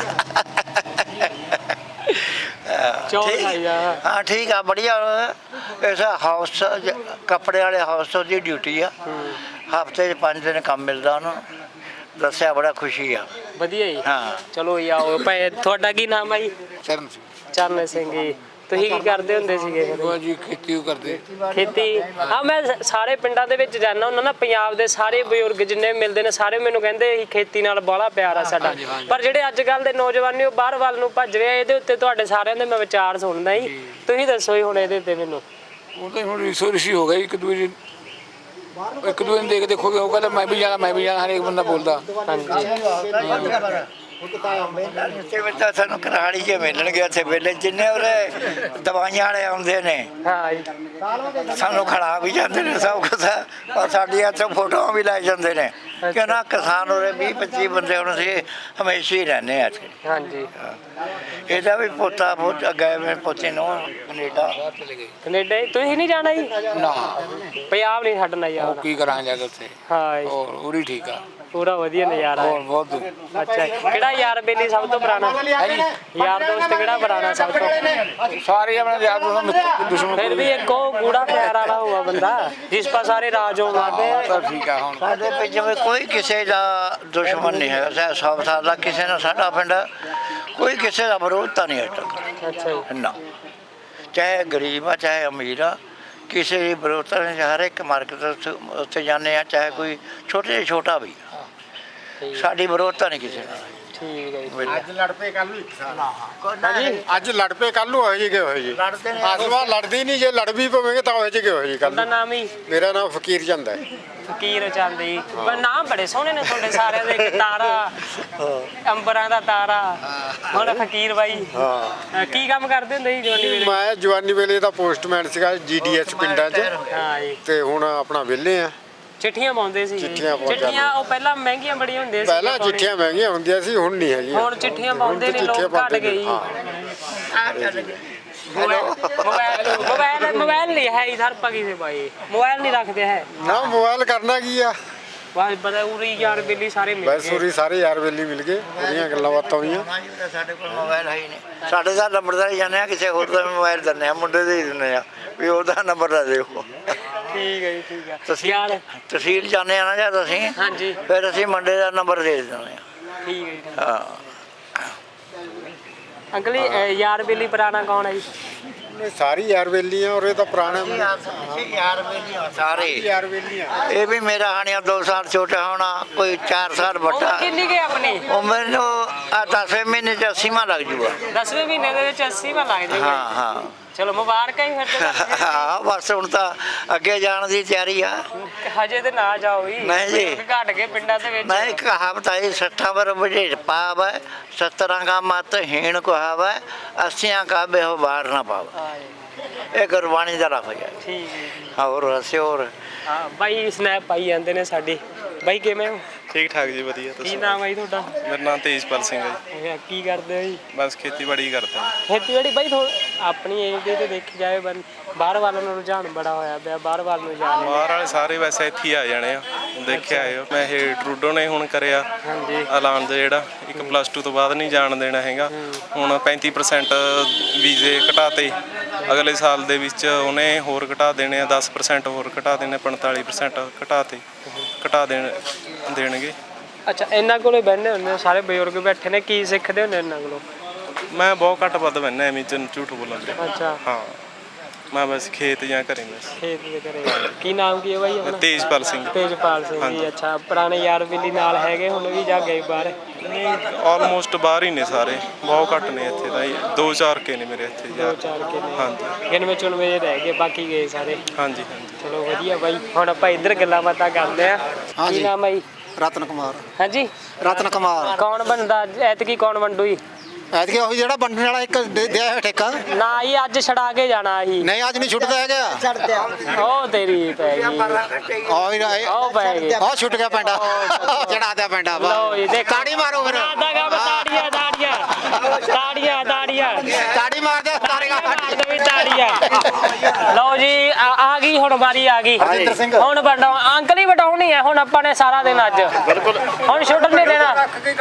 A: ਚੌਲ
E: ਠੀਕ।
A: ਖਾਈ ਜਾ।
E: ਹਾਂ ਠੀਕ ਆ ਬੜੀਆ। ਇਸ ਹਾਊਸ ਕੱਪੜੇ ਵਾਲੇ ਹਾਊਸ ਦੀ ਡਿਊਟੀ ਆ। ਹਫ਼ਤੇ 'ਚ ਪੰਜ ਦਿਨ ਕੰਮ ਮਿਲਦਾ ਉਹਨੂੰ। ਦੱਸਿਆ ਬੜਾ ਖੁਸ਼ੀ ਆ।
A: ਵਧੀਆ ਜੀ।
E: ਹਾਂ।
A: ਚਲੋ ਜੀ ਆਓ ਭਾਈ। ਤੁਹਾਡਾ ਕੀ ਨਾਮ ਹੈ ਜੀ?
D: ਚਰਨ ਸਿੰਘ
A: ਚਰਨ ਸਿੰਘ ਜੀ। ਤੁਸੀਂ ਕੀ ਕਰਦੇ ਹੁੰਦੇ ਸੀਗੇ?
D: ਉਹ ਜੀ ਖੇਤੀ ਉਹ ਕਰਦੇ।
A: ਖੇਤੀ। ਹਾਂ ਮੈਂ ਸਾਰੇ ਪਿੰਡਾਂ ਦੇ ਵਿੱਚ ਜਾਂਦਾ ਹੁੰਦਾ ਨਾ, ਪੰਜਾਬ ਦੇ ਸਾਰੇ ਬਜ਼ੁਰਗ ਜਿੰਨੇ ਮਿਲਦੇ ਨੇ ਸਾਰੇ ਮੈਨੂੰ ਕਹਿੰਦੇ ਅਸੀਂ ਖੇਤੀ ਨਾਲ ਬਾਹਲਾ ਪਿਆਰ ਆ ਸਾਡਾ। ਪਰ ਜਿਹੜੇ ਅੱਜ ਕੱਲ੍ਹ ਦੇ ਨੌਜਵਾਨ ਉਹ ਬਾਹਰ ਵੱਲ ਨੂੰ ਭੱਜ ਰਹੇ ਆ। ਇਹਦੇ ਉੱਤੇ ਤੁਹਾਡੇ ਸਾਰਿਆਂ ਦੇ ਮੈਂ ਵਿਚਾਰ ਸੁਣਦਾ ਜੀ। ਤੁਸੀਂ ਦੱਸੋ ਜੀ ਹੁਣ ਇਹਦੇ ਉੱਤੇ ਮੈਨੂੰ।
F: ਉਹ ਤਾਂ ਹੁਣ ਰਿਸੋ ਰਿਸ਼ੀ ਹੋ ਗਈ। ਇੱਕ ਦੂਜੇ ਇੱਕ ਦੂਜੇ ਨੂੰ ਦੇਖ ਦੇਖੋਗੇ ਉਹ ਕਹਿੰਦਾ ਮੈਂ ਵੀ ਜਾਣਾ ਮੈਂ ਵੀ ਜਾਣਾ। ਹਰੇਕ ਬੰਦਾ ਬੋਲਦਾ।
A: ਹਾਂਜੀ।
E: ਤੇ ਵਿੱਚ ਤਾਂ ਸਾਨੂੰ ਕਰਹਾਲੀ 'ਚ ਮਿਲਣਗੇ ਉੱਥੇ ਵੇਲੇ ਜਿੰਨੇ ਉਹਦੇ ਦਵਾਈਆਂ ਵਾਲੇ ਆਉਂਦੇ ਨੇ।
A: ਹਾਂ ਜੀ।
E: ਸਾਨੂੰ ਖੜਾ ਵੀ ਜਾਂਦੇ ਨੇ ਸਭ ਕੁਛ। ਔਰ ਸਾਡੀਆਂ ਇੱਥੇ ਫੋਟੋਆਂ ਵੀ ਲੈ ਜਾਂਦੇ ਨੇ। ਕਿ ਨਾ ਕਿਸਾਨ ਉਰੇ ਵੀਹ ਪੱਚੀ ਬੰਦੇ ਹੁਣ ਅਸੀਂ ਹਮੇਸ਼ਾ ਹੀ ਰਹਿੰਦੇ ਆ ਇੱਥੇ।
A: ਹਾਂਜੀ।
E: ਇਹਦਾ ਵੀ ਪੋਤਾ ਬਹੁਤ ਗਏ ਮੇਰੇ ਪੋਤੇ ਨੂੰ ਕੈਨੇਡਾ।
A: ਕੈਨੇਡਾ। ਤੁਸੀਂ ਨਹੀਂ ਜਾਣਾ ਜੀ?
F: ਨਾ
A: ਪੰਜਾਬ ਨਹੀਂ ਛੱਡਣਾ
F: ਉਹ
A: ਯਾਰ।
F: ਕੀ ਕਰਾਂ ਜਾ ਕੇ ਉੱਥੇ।
A: ਹਾਂ ਜੀ।
F: ਹੋਰ ਉਰੀ ਠੀਕ ਆ।
A: ਪੂਰਾ ਵਧੀਆ ਨਜ਼ਾਰਾ
F: ਹੋਰ
A: ਹੈ।
F: ਬਹੁਤ।
A: ਅੱਛਾ ਜੀ। ਕਿਹੜਾ ਯਾਰ ਬੇਲੀ ਸਭ ਤੋਂ ਪੁਰਾਣਾ? ਯਾਰ ਦੋਸਤ ਕਿਹੜਾ ਪੁਰਾਣਾ ਸਭ ਤੋਂ?
F: ਸਾਰੇ ਆਪਣੇ ਯਾਰ ਦੋਸਤ ਦੁਸ਼ਮਣ।
A: ਫਿਰ ਵੀ ਇੱਕ ਉਹ ਗੂੜਾ ਪਿਆਰ ਵਾਲਾ ਹੋਆ ਬੰਦਾ ਜਿਸ ਪਾ ਸਾਰੇ ਰਾਜ ਹੋ ਮਾਰਦੇ ਆ।
F: ਤਾਂ ਠੀਕ ਆ। ਹੁਣ
E: ਸਾਡੇ ਪਿੰਡ ਵਿੱਚ ਕੋਈ ਕਿਸੇ ਦਾ ਦੁਸ਼ਮਣ ਨਹੀਂ ਹੈ। ਸਾ ਸਭ ਸਾਲ ਦਾ ਕਿਸੇ ਨਾਲ ਸਾਡਾ ਪਿੰਡ ਕੋਈ ਕਿਸੇ ਦਾ ਵਿਰੋਧ ਤਾਂ ਨਹੀਂ ਹੈ।
A: ਅੱਛਾ ਜੀ।
E: ਨਾ ਚਾਹੇ ਗਰੀਬ ਆ ਚਾਹੇ ਅਮੀਰ ਆ ਕਿਸੇ ਦੀ ਵਿਰੋਧਤਾ ਨਹੀਂ। ਹਰ ਇੱਕ ਮਾਰਕੀਟ ਉੱਥੇ ਜਾਂਦੇ ਆ ਚਾਹੇ ਕੋਈ ਛੋਟੇ ਜਿਹੇ ਛੋਟਾ ਵੀ। ਸਾਡੀ ਵਿਰੋਧਤਾ ਨਹੀਂ ਕਿਸੇ ਨਾਲ।
A: ਠੀਕ ਹੈ ਜੀ।
D: ਅੱਜ ਲੜ ਪਏ ਕੱਲ ਨੂੰ ਇੱਕ ਸਾਲ।
A: ਹਾਂਜੀ।
D: ਅੱਜ ਲੜ ਪਏ ਕੱਲ ਨੂੰ ਹੋਏ ਜੀ ਕਿ ਹੋਏ ਜੀ।
E: ਲੜਦੇ ਨੇ।
D: ਆਸਵਾ ਲੜਦੀ ਨਹੀਂ। ਜੇ ਲੜ ਵੀ ਪਵੇਂਗੇ ਤਾਂ ਹੋਏ ਜੀ ਕਿ ਹੋਏ ਜੀ ਕੱਲ
A: ਤੁਹਾਡਾ
D: ਨੂੰ।
A: ਨਾਮ ਹੀ?
D: ਮੇਰਾ ਨਾਮ ਫਕੀਰ ਚੰਦ ਹੈ।
A: ਫਕੀਰ ਚੰਦ ਜੀ। ਪਰ ਨਾਮ ਬੜੇ ਸੋਹਣੇ ਨੇ ਤੁਹਾਡੇ ਸਾਰਿਆਂ ਦੇ। ਇੱਕ ਤਾਰਾ, ਅੰਬਰਾਂ ਦਾ ਤਾਰਾ, ਹੁਣ ਫਕੀਰ ਬਾਈ।
D: ਹਾਂ।
A: ਕੀ ਕੰਮ ਕਰਦੇ ਹੁੰਦੇ ਸੀ ਜਵਾਨੀ ਵੇਲੇ?
D: ਮੈਂ ਜਵਾਨੀ ਵੇਲੇ ਦਾ ਪੋਸਟਮੈਨ ਸੀਗਾ ਜੀ ਡੀ ਐਸ ਪਿੰਡਾਂ 'ਚ।
A: ਹਾਂ ਜੀ।
D: ਤੇ ਹੁਣ ਆਪਣਾ ਵਿਹਲੇ ਆ।
A: ਚਿੱਠੀਆਂ ਪਾਉਂਦੇ ਸੀ।
D: ਚਿੱਠੀਆਂ ਪਾਉਂਦੇ
A: ਚਿੱਠੀਆਂ ਉਹ ਪਹਿਲਾਂ ਮਹਿੰਗੀਆਂ ਬੜੀਆਂ ਹੁੰਦੀਆਂ ਸੀ।
D: ਪਹਿਲਾਂ ਚਿੱਠੀਆਂ ਮਹਿੰਗੀਆਂ ਹੁੰਦੀਆਂ ਸੀ ਹੁਣ ਨਹੀਂ ਹੈਗੀਆਂ।
A: ਹੁਣ ਚਿੱਠੀਆਂ ਪਾਉਂਦੇ ਨੇ
D: ਚਿੱਠੀਆਂ
A: ਲੋਕ ਘੱਟ
D: ਪਾਉਂਦੇ
A: ਗਏ
D: ਨੇ,
A: ਜੀ।
D: ਹਾਂ।
A: मोबाइल मोबाइल मोबाइल नहीं है इधर पगी से भाई मोबाइल नहीं रखते हैं
D: ਨਾ ਮੋਬਾਈਲ ਕਰਨਾ ਕੀ ਆ
A: बस पता उरी यार बिल्ली सारे मिल
D: ਬਸ
A: गए
D: ਉਰੀ ਸਾਰੇ ਯਾਰ ਵੇਲੀ ਮਿਲ ਗਏ ਉਹਦੀਆਂ ਗੱਲਾਂ ਬਾਤਾਂ ਹੋਈਆਂ
E: ਸਾਡੇ ਕੋਲ ਮੋਬਾਈਲ ਹੈ ਹੀ ਨਹੀਂ ਸਾਡੇ ਦਾ ਨੰਬਰਦਾਰ ਜਾਂਦੇ ਆ ਕਿਸੇ ਹੋਰ ਦਾ ਮੋਬਾਈਲ ਦਿੰਦੇ ਆ ਮੁੰਡੇ ਦੇ ਹੀ ਦਿੰਦੇ ਆ ਵੀ ਉਹਦਾ ਨੰਬਰ ਲੈ ਦਿਓ
A: ठीक है जी ठीक है
E: ਤੁਸੀਂ
A: यार
E: ਤਹਿਸੀਲ ਜਾਂਦੇ ਆ ਨਾ ਜਦ ਅਸੀਂ
A: हाँ जी
E: ਫਿਰ ਅਸੀਂ ਮੁੰਡੇ ਦਾ ਨੰਬਰ ਦੇ ਦਿੰਦੇ ਆ
A: ठीक है जी
E: ਹਾਂ
A: अंकल जी अ, यार बिल्ली पुराना कौन है जी
D: ਇਹ ਸਾਰੀ ਯਾਰ ਵੇਲੀਆਂ ਔਰ ਇਹ ਤਾਂ ਪੁਰਾਣੇ
E: ਯਾਰ ਵੇਲੀਆਂ ਸਾਰੇ
D: ਯਾਰ ਵੇਲੀਆਂ
E: ਇਹ ਵੀ ਮੇਰਾ ਹਾਣੀਆਂ ਦੋ ਸਾਲ ਛੋਟਾ ਹੋਣਾ ਕੋਈ ਚਾਰ ਸਾਲ ਵੱਡਾ
A: उम्र कितनी गई अपनी
E: ਉਹ ਮੈਨੂੰ ਆ ਦਸਵੇਂ ਮਹੀਨੇ ਚ ਅੱਸੀਵਾਂ ਲੱਗ ਜੂਗਾ
A: दसवें महीने ਦੇ ਵਿੱਚ अस्सी में ਲੱਗ ਜਾਏਗਾ
E: ਹਾਂ ਹਾਂ
A: ਚਲੋ ਮੁਬਾਰਕਾਂ ਹੀ ਫਿਰ ਤੇ
E: ਹਾਂ ਬਸ ਹੁਣ ਤਾਂ ਅੱਗੇ ਜਾਣ ਦੀ ਤਿਆਰੀ ਆ
A: ਹਜੇ ਤੇ ਨਾ ਜਾਓ ਜੀ
E: ਨਹੀਂ ਜੀ।
A: ਘਟ ਕੇ ਪਿੰਡਾਂ ਦੇ ਵਿੱਚ
E: ਮੈਂ ਇੱਕ ਕਹਾਵਤ ਆਈ ਸੱਠਾਂ ਵਰ ਵਜੇ ਪਾਵ ਹੈ ਸੱਤਰਾਂ ਕਾ ਮਤ ਹੀਣ ਕੁਹਾਵ ਹੈ ਅੱਸੀਆਂ ਕਾ ਬਿਹ ਬਾਰ ਨਾ ਪਾਵ
A: ਹਾਂ ਜੀ,
E: ਇਹ ਗੁਰਬਾਣੀ ਦਾ ਲਫ਼ਜ਼ ਹੈ
A: ਠੀਕ ਹੈ ਜੀ।
E: ਹੋਰ ਹਸਿਓਰ
A: ਹਾਂ ਬਾਈ ਸਨੈਪ ਪਾਈ ਜਾਂਦੇ ਨੇ ਸਾਡੀ ਬਾਈ ਕਿਵੇਂ ਹੋ
G: ਠੀਕ ਠਾਕ ਜੀ ਵਧੀਆ
A: ਕੀ
G: ਤੁਸੀਂ
A: ਨਾਮ ਹੈ ਜੀ ਤੁਹਾਡਾ
G: ਮੇਰਾ ਨਾਮ ਤੇਜਪਾਲ ਸਿੰਘ ਹੈ ਜੀ
A: ਅੱਛਾ, ਕੀ ਕਰਦੇ ਹੋ ਜੀ
G: ਬਸ ਖੇਤੀਬਾੜੀ ਕਰਦਾ ਜੀ।
A: ਖੇਤੀਬਾੜੀ ਬਾਈ ਥੋੜਾ ਆਪਣੀ ਏਜ ਦੇ ਤੇ ਦੇਖੀ ਜਾਵੇ ਬੰ ਬਾਹਰ ਵੱਲ ਨੂੰ ਰੁਝਾਨ ਬੜਾ ਹੋਇਆ ਪਿਆ ਬਾਹਰ ਵੱਲ ਨੂੰ ਜਾ ਰਹੇ ਨੇ।
G: ਬਾਹਰ ਵਾਲੇ ਸਾਰੇ ਵੈਸੇ ਇੱਥੇ ਹੀ ਆ ਜਾਣੇ ਆ ਦੇਖਿਆ ਆਇਓ ਮੈਂ ਇਹ ਟਰੂਡੋ ਨੇ ਹੁਣ ਕਰਿਆ
A: ਹਾਂਜੀ
G: ਐਲਾਨ ਦਾ ਜਿਹੜਾ ਇੱਕ ਪਲੱਸ ਟੂ ਤੋਂ ਬਾਅਦ ਨਹੀਂ ਜਾਣ ਦੇਣਾ ਹੈਗਾ ਹੁਣ ਪੈਂਤੀ ਪਰਸੈਂਟ ਵੀਜ਼ੇ ਘਟਾਤੇ ਅਗਲੇ ਸਾਲ ਦੇ ਵਿੱਚ ਉਹਨੇ ਹੋਰ ਘਟਾ ਦੇਣੇ ਆ ਦਸ ਪਰਸੈਂਟ ਹੋਰ ਘਟਾ ਦੇਣੇ ਪੰਤਾਲੀ ਪਰਸੈਂਟ ਘਟਾਤੇ ਘਟਾ ਦੇਣ ਦੇਣਗੇ
A: ਅੱਛਾ ਇਹਨਾਂ ਕੋਲੇ ਬਹਿੰਦੇ ਹੁੰਦੇ ਹੋ, ਸਾਰੇ ਬਜ਼ੁਰਗ ਬੈਠੇ ਨੇ ਕੀ ਸਿੱਖਦੇ ਹੁੰਦੇ ਇਹਨਾਂ ਕੋਲੋਂ
G: ਮੈਂ ਬਹੁਤ ਘੱਟ ਵੱਧ ਬੰਨਾ ਐਵੇਂ ਚ ਝੂਠ ਬੋਲਣ ਦੇ
A: ਅੱਛਾ
G: ਹਾਂ ਮੈਂ ਬਸ ਖੇਤ ਜਾਂ ਘਰੇ ਬਸ
A: ਖੇਤ ਦੇ ਘਰੇ ਕੀ ਨਾਮ ਕੀ ਹੈ ਬਾਈ ਆਪਣਾ
G: ਤੇਜਪਾਲ ਸਿੰਘ
A: ਤੇਜਪਾਲ ਸਿੰਘ ਜੀ ਅੱਛਾ ਪੁਰਾਣੇ ਯਾਰ ਬਿੱਲੀ ਨਾਲ ਹੈਗੇ ਹੁਣ ਵੀ ਜਾ ਗਏ ਬਾਹਰ
G: ਨਹੀਂ ਆਲਮੋਸਟ ਬਾਹਰ ਹੀ ਨੇ ਸਾਰੇ ਬਹੁਤ ਘੱਟ ਨੇ ਇੱਥੇ ਤਾਂ ਜੀ। ਦੋ ਚਾਰ ਕੇ ਨੇ ਮੇਰੇ ਇੱਥੇ
A: ਦੋ
G: ਯਾਰ
A: ਚਾਰ ਕੇ ਨੇ
G: ਹਾਂਜੀ
A: ਗਿਣਵੇਂ ਚੁਣਵੇਂ ਰਹਿ ਗਏ ਬਾਕੀ ਗਏ ਸਾਰੇ
G: ਹਾਂਜੀ ਹਾਂਜੀ
A: ਚਲੋ ਵਧੀਆ ਬਾਈ ਹੁਣ ਆਪਾਂ ਇੱਧਰ ਗੱਲਾਂ ਬਾਤਾਂ ਕਰਦੇ ਆ ਕੀ ਨਾਮ ਹੈ ਜੀ
H: ਰਤਨ ਕੁਮਾਰ
A: ਹਾਂਜੀ
H: ਰਤਨ ਕੁਮਾਰ
A: ਕੌਣ ਬਣਦਾ ਐਤਕੀ ਕੌਣ ਵੰਡੂ ਜੀ
H: ਐਤਕੀ ਉਹੀ ਜਿਹੜਾ ਵੰਡਣ ਵਾਲਾ ਇੱਕ ਦੇ- ਦਿਆ ਹੋਇਆ ਠੇਕਾ
A: ਨਾ ਹੀ ਅੱਜ ਛੜਾ ਕੇ ਜਾਣਾ ਸੀ
H: ਨਹੀਂ ਅੱਜ ਨਹੀਂ ਛੁੱਟਦਾ ਹੈਗਾ
A: ਉਹ ਤੇਰੀ ਪੈ ਗਈ
H: ਆਹ ਹੀ
A: ਉਹ ਪੈ ਗਈ
H: ਆਹ ਛੁੱਟ ਗਿਆ ਪੈਂਡਾ ਚੜਾ ਦਿਆ ਪੈਂਡਾ
A: ਲਓ ਜੀ ਦੇਖ
H: ਤਾੜੀ ਮਾਰੋ ਫਿਰ
A: ਆਦਾ ਗਾ ਤਾੜੀਆਂ ਤਾੜੀਆਂ ਤਾੜੀਆਂ ਤਾੜੀਆਂ
H: ਤਾੜੀ ਮਾਰ ਦੇ ਤਾੜੀਆਂ
A: ਮਾਰ ਦੇ ਵੀ ਤਾੜੀਆਂ ਲਓ ਜੀ ਆ ਆ ਗਈ ਹੁਣ ਵਾਰੀ ਆ ਗਈ
H: ਹਰਜਿੰਦਰ ਸਿੰਘ।
A: ਹੁਣ ਵਟਾਉ ਅੰਕਲ ਹੀ ਵਟਾਉਣੀ ਹੈ ਹੁਣ ਆਪਾਂ ਨੇ ਸਾਰਾ ਦਿਨ ਅੱਜ ਬਿਲਕੁਲ ਹੁਣ ਛੁੱਟਣ ਨਹੀਂ ਦੇਣਾ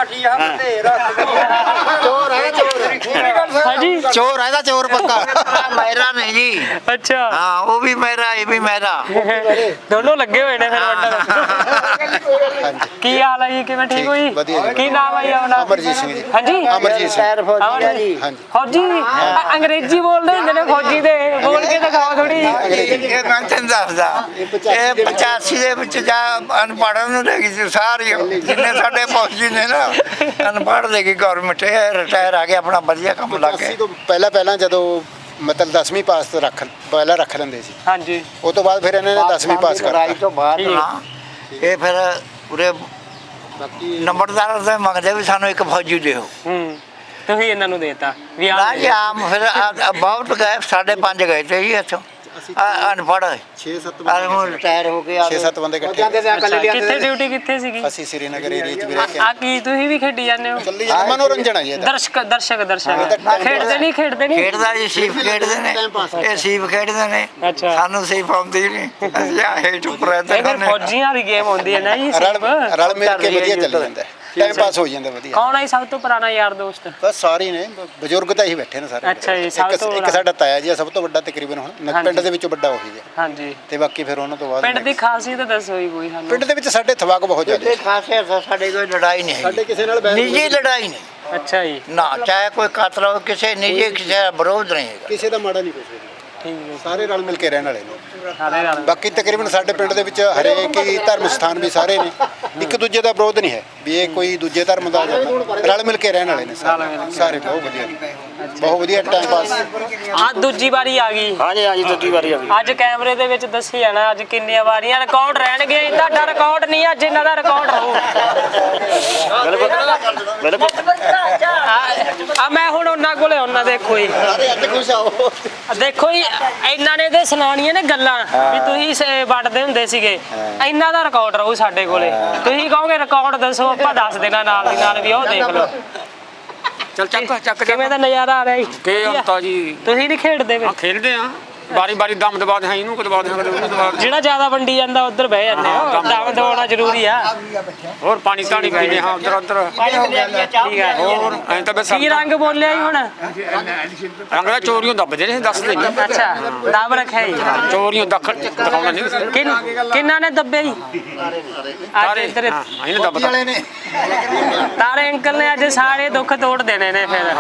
H: ਚੋਰ ਹੈ ਚੋਰ
A: ਹਾਂਜੀ
H: ਚੋਰ ਹੈ ਦਾ ਚੋਰ ਪੱਕਾ
E: ਮੇਰਾ ਨਹੀਂ ਜੀ
A: ਅੱਛਾ
E: ਹਾਂ ਉਹ ਵੀ ਮੇਰਾ ਇਹ ਵੀ ਮੇਰਾ
A: ਦੋਨੋਂ ਲੱਗੇ ਹੋਏ ਨੇ ਫਿਰ ਵੰਡਣ ਕੀ ਹਾਲ ਹੈ ਜੀ ਕਿਵੇਂ ਠੀਕ ਹੋ ਜੀ
H: ਵਧੀਆ ਜੀ।
A: ਕੀ ਨਾਮ ਹੈ ਜੀ ਆਪਣਾ
H: ਅਮਰਜੀਤ ਸਿੰਘ ਜੀ।
A: ਹਾਂਜੀ
H: ਅਮਰਜੀਤ ਸਿੰਘ।
A: ਅਮਰ ਜੀ
H: ਹਾਂਜੀ।
A: ਫੌਜੀ ਅ- ਅੰਗਰੇਜ਼ੀ ਬੋਲਦੇ ਹੁੰਦੇ ਨੇ ਫੌਜੀ ਦੇ ਬੋਲ ਕੇ ਦਿਖਾਓ ਥੋੜੀ
E: ਇਹ ਮੈਂ ਤੈਨੂੰ ਦੱਸਦਾ ਇਹ ਪਚਾਸੀ ਦੇ ਵਿੱਚ ਜਾ ਅਨਪੜ੍ਹਾਂ ਨੂੰ ਲੈ ਗਈ ਸੀ ਸਾਰੀ ਜਿੰਨੇ ਸਾਡੇ ਫੌਜੀ ਨੇ ਨਾ ਅਨਪੜ੍ਹ ਲੈ ਗਈ ਗਵਰਨਮੈਂਟ ਇਹ ਰਿਟਾਇਰ ਆ ਕੇ ਆਪਣਾ ਵਧੀਆ ਕੰਮ ਲੱਗ
H: ਅਸੀਂ
E: ਗਏ
H: ਤੋਂ ਪਹਿਲਾਂ ਪਹਿਲਾਂ ਜਦੋਂ ਮਤਲਬ ਦਸਵੀਂ ਪਾਸ ਤੋਂ ਰੱਖ ਪਹਿਲਾਂ ਰੱਖ ਲੈਂਦੇ ਸੀ
A: ਹਾਂਜੀ
H: ਉਹ ਤੋਂ ਬਾਅਦ ਫਿਰ ਇਹਨਾਂ ਨੇ ਦਸਵੀਂ ਪਾਸ
E: ਲੜਾਈ
H: ਕਰਤਾ
E: ਤੋਂ ਬਾਅਦ ਨਾ ਇਹ ਫਿਰ ਉਰੇ ਨੰਬਰਦਾਰ ਦੇ ਮੰਗਦੇ ਵੀ ਸਾਨੂੰ ਇੱਕ ਫੌਜੀ ਦਿਓ
A: ਹੂੰ ਤੁਸੀਂ ਇਹਨਾਂ ਨੂੰ ਦੇਤਾ ਵੀ
E: ਨਾ
A: ਆ
E: ਜੀ ਆਮ ਫਿਰ ਆ- ਬਹੁਤ ਗਏ ਸਾਡੇ ਪੰਜ ਗਏ ਤੇ ਜੀ ਇੱਥੋਂ ਆ- ਅਨਪੜ੍ਹ
H: ਛੇ ਸੱਤ
E: ਆ ਹੁਣ ਰਿਟਾਇਰ ਹੋ ਕੇ ਆ
H: ਛੇ ਸੱਤ ਬੰਦੇ ਇਕੱਠੇ
A: ਅੱਛਾ, ਕਿੱਥੇ ਡਿਊਟੀ ਕਿੱਥੇ ਸੀਗੀ
H: ਅਸੀਂ ਸ੍ਰੀਨਗਰ ਏਰੀਆ ਚ ਵੀ ਰਹਿ ਕੇ
A: ਆ ਕੀ ਤੁਸੀਂ ਵੀ ਖੇਡੀ ਜਾਂਦੇ ਹੋ
H: ਚੱਲੀ ਜਾਂਦਾ ਮਨੋਰੰਜਨ ਆ ਜੀ ਇਹਦਾ
A: ਦਰਸ਼ਕ ਦਰਸ਼ਕ ਦਰਸ਼ਕ ਖੇਡਦੇ ਨਹੀਂ ਖੇਡਦੇ ਨਹੀਂ
E: ਖੇਡਦਾ ਜੀ ਸੀਪ ਖੇਡਦੇ ਨੇ ਇਹ ਸੀਪ ਖੇਡਦੇ ਨੇ
A: ਅੱਛਾ।
E: ਸਾਨੂੰ ਸੀਪ ਆਉਂਦੀ ਨਹੀਂ ਅਸੀਂ ਆ ਹੇਠ ਉੱਪਰ
A: ਇਹ
E: ਰਹਿੰਦੇ
A: ਫਿਰ
E: ਨੇ
A: ਫੌਜੀਆਂ ਵਾਲੀ ਗੇਮ ਹੁੰਦੀ ਹੈ ਨਾ ਜੀ
H: ਰਲ
A: ਸਿਰਫ
H: ਰਲ ਮਿਲ ਕੇ ਵਧੀਆ ਚੱਲ ਜਾਂਦਾ ਟਾਈਮ ਪਾਸ ਹੋ ਜਾਂਦਾ ਵਧੀਆ
A: ਕੌਣ ਹੈ ਸਭ ਤੋਂ ਪੁਰਾਣਾ ਯਾਰ ਦੋਸਤ
H: ਬਸ ਸਾਰੇ ਹੀ ਨੇ ਬ- ਬਜ਼ੁਰਗ ਤਾਂ ਹੀ ਬੈਠੇ ਨੇ ਸਾਰੇ
A: ਅੱਛਾ ਜੀ, ਸਭ
H: ਇੱਕ-
A: ਤੋਂ
H: ਇੱਕ ਸਾਡਾ ਤਾਇਆ ਜੀ ਆ, ਸਭ ਤੋਂ ਵੱਡਾ ਤਕਰੀਬਨ ਹੁਣ ਨ-
A: ਹਾਂਜੀ।
H: ਪਿੰਡ ਦੇ ਵਿੱਚੋਂ ਵੱਡਾ ਉਹੀ ਹੈ
A: ਹਾਂਜੀ
H: ਤੇ ਬਾਕੀ ਫਿਰ ਉਹਨਾਂ ਤੋਂ ਬਾਅਦ
A: ਪਿੰਡ ਦੀ ਖਾਸੀਅਤ ਦੱਸੋ ਜੀ ਕੋਈ ਸਾਨੂੰ
H: ਪਿੰਡ ਦੇ ਵਿੱਚ ਸਾਡੇ ਥਵਾਕ ਬਹੁਤ ਜ਼ਿਆਦਾ
E: ਇਹ ਖਾਸੇ ਸਾਡੇ ਕੋਈ ਲੜਾਈ ਨਹੀਂ
H: ਸਾਡੇ
E: ਹੈ
H: ਕਿਸੇ ਨਾਲ ਬਹਿਸ
E: ਨਿੱਜੀ ਲੜਾਈ ਨਹੀਂ
A: ਅੱਛਾ ਜੀ
E: ਨਾ ਚਾਹੇ ਕੋਈ ਕਾਤਲ ਹੋ ਕਿਸੇ ਨਿੱਜੀ ਕਿਸੇ ਦਾ ਵਿਰੋਧ ਨਹੀਂ ਹੈਗਾ
H: ਕਿਸੇ ਦਾ ਮਾੜਾ ਨਹੀਂ ਪੁੱਛਦੇ
A: ਠੀਕ ਹੈ
H: ਸਾਰੇ ਰਲ ਮਿਲ ਕੇ ਰਹਿਣ ਵਾਲੇ ਨੇ
A: ਸਾਰੇ ਨਾਲ
H: ਬਾਕੀ ਤਕਰੀਬਨ ਸਾਡੇ ਪਿੰਡ ਦੇ ਵਿੱਚ ਹਰੇਕ ਹੀ ਧਰਮ ਸਥਾਨ ਵੀ ਸਾਰੇ ਨੇ ਇੱਕ ਦੂਜੇ ਦਾ ਵਿਰੋਧ ਨਹੀਂ ਹੈ ਵੀ ਇਹ ਕੋਈ ਦੂਜੇ ਧਰਮ ਦਾ ਜਾਂ ਰਲ ਮਿਲ ਕੇ ਰਹਿਣ ਵਾਲੇ ਨੇ ਸਾਰੇ ਸਾਰੇ ਬਹੁਤ ਵਧੀਆ ਨੇ। ਬਹੁਤ ਵਧੀਆ ਟਾਈਮ ਪਾਸ
A: ਆ ਦੂਜੀ ਵਾਰੀ ਆ ਗਈ
C: ਹਾਂਜੀ ਹਾਂਜੀ ਦੂਜੀ ਵਾਰੀ ਆ ਗਈ
A: ਅੱਜ ਕੈਮਰੇ ਦੇ ਵਿੱਚ ਦੱਸੀ ਜਾਣਾ ਅੱਜ ਕਿੰਨੀਆਂ ਵਾਰੀਆਂ ਰਿਕਾਰਡ ਰਹਿਣਗੇ ਤੁਹਾਡਾ ਰਿਕਾਰਡ ਨਹੀਂ ਅੱਜ ਇਹਨਾਂ ਦਾ ਰਿਕਾਰਡ ਰਹੂ
C: ਬਿਲਕੁਲ
A: ਆ- ਆ ਮੈਂ ਹੁਣ ਉਹਨਾਂ ਕੋਲੇ ਉਹਨਾਂ ਦੇਖੋ ਜੀ ਆ ਦੇਖੋ ਜੀ ਇਹਨਾਂ ਨੇ ਤੇ ਸੁਣਾਉਣੀਆਂ ਨੇ ਗੱਲਾਂ ਵੀ ਤੁਸੀਂ ਸ- ਵੱਢਦੇ ਹੁੰਦੇ ਸੀਗੇ ਇਹਨਾਂ ਦਾ ਰਿਕਾਰਡ ਰਹੂ ਸਾਡੇ ਕੋਲੇ ਤੁਸੀਂ ਕਹੋਗੇ ਰਿਕਾਰਡ ਦੱਸੋ ਆਪਾਂ ਦੱਸ ਦੇਣਾ ਨਾਲ ਦੀ ਨਾਲ ਵੀ ਉਹ ਦੇਖ ਲਓ
C: ਚੱਲ ਚੱਕ ਚੱਕ
A: ਕਿਵੇਂ ਦਾ ਨਜ਼ਾਰਾ ਆ ਰਿਹਾ ਜੀ
C: ਕੇ ਅੰਤਾ ਜੀ
A: ਤੁਸੀਂ ਨਹੀਂ ਖੇਡਦੇ ਵੇ
C: ਆ ਖੇਡਦੇ ਆ ਬਾਰੀ ਬਾਰੀ ਦਮ ਦਬਾ ਦੇ ਹਾਂ ਇਹਨੂੰ ਦਬਾ ਦੇ ਹਾਂ ਕਦੇ ਉਹਨੂੰ ਦਬਾ ਦੇ
A: ਜਿਹੜਾ ਜ਼ਿਆਦਾ ਵੰਡੀ ਜਾਂਦਾ ਉੱਧਰ ਬਹਿ ਜਾਂਦੇ ਹੋ ਦਮ ਦਵਾਉਣਾ ਜ਼ਰੂਰੀ ਆ
C: ਹੋਰ ਪਾਣੀ ਧਾਣੀ ਪੀਂਦੇ ਹਾਂ ਉਧਰ ਉਧਰ
A: ਠੀਕ ਹੈ
C: ਹੋਰ ਐਂ ਤਾਂ ਬਸ
A: ਕੀ ਰੰਗ ਬੋਲਿਆ ਜੀ ਹੁਣ
C: ਰੰਗ ਦਾ ਚੋਰੀਆਂ ਦੱਬਦੇ ਨੇ ਦੱਸਦੇ ਨਹੀਂ
A: ਅੱਛਾ ਦਬ ਰੱਖਿਆ ਜੀ
C: ਚੋਰੀਆਂ ਦੱਖ ਦਿਖਾਉਣਾ ਨਹੀਂ
A: ਕਿੰਨ ਕਿੰਨਾ ਨੇ ਦੱਬੇ ਜੀ ਅੱਜ ਇੱਧਰ
C: ਹਾਂ ਇਹਨੇ ਦੱਬਦਾ
A: ਤਾਰੇ ਅੰਕਲ ਨੇ ਅੱਜ ਸਾਰੇ ਦੁੱਖ ਤੋੜ ਦੇਣੇ ਨੇ ਫਿਰ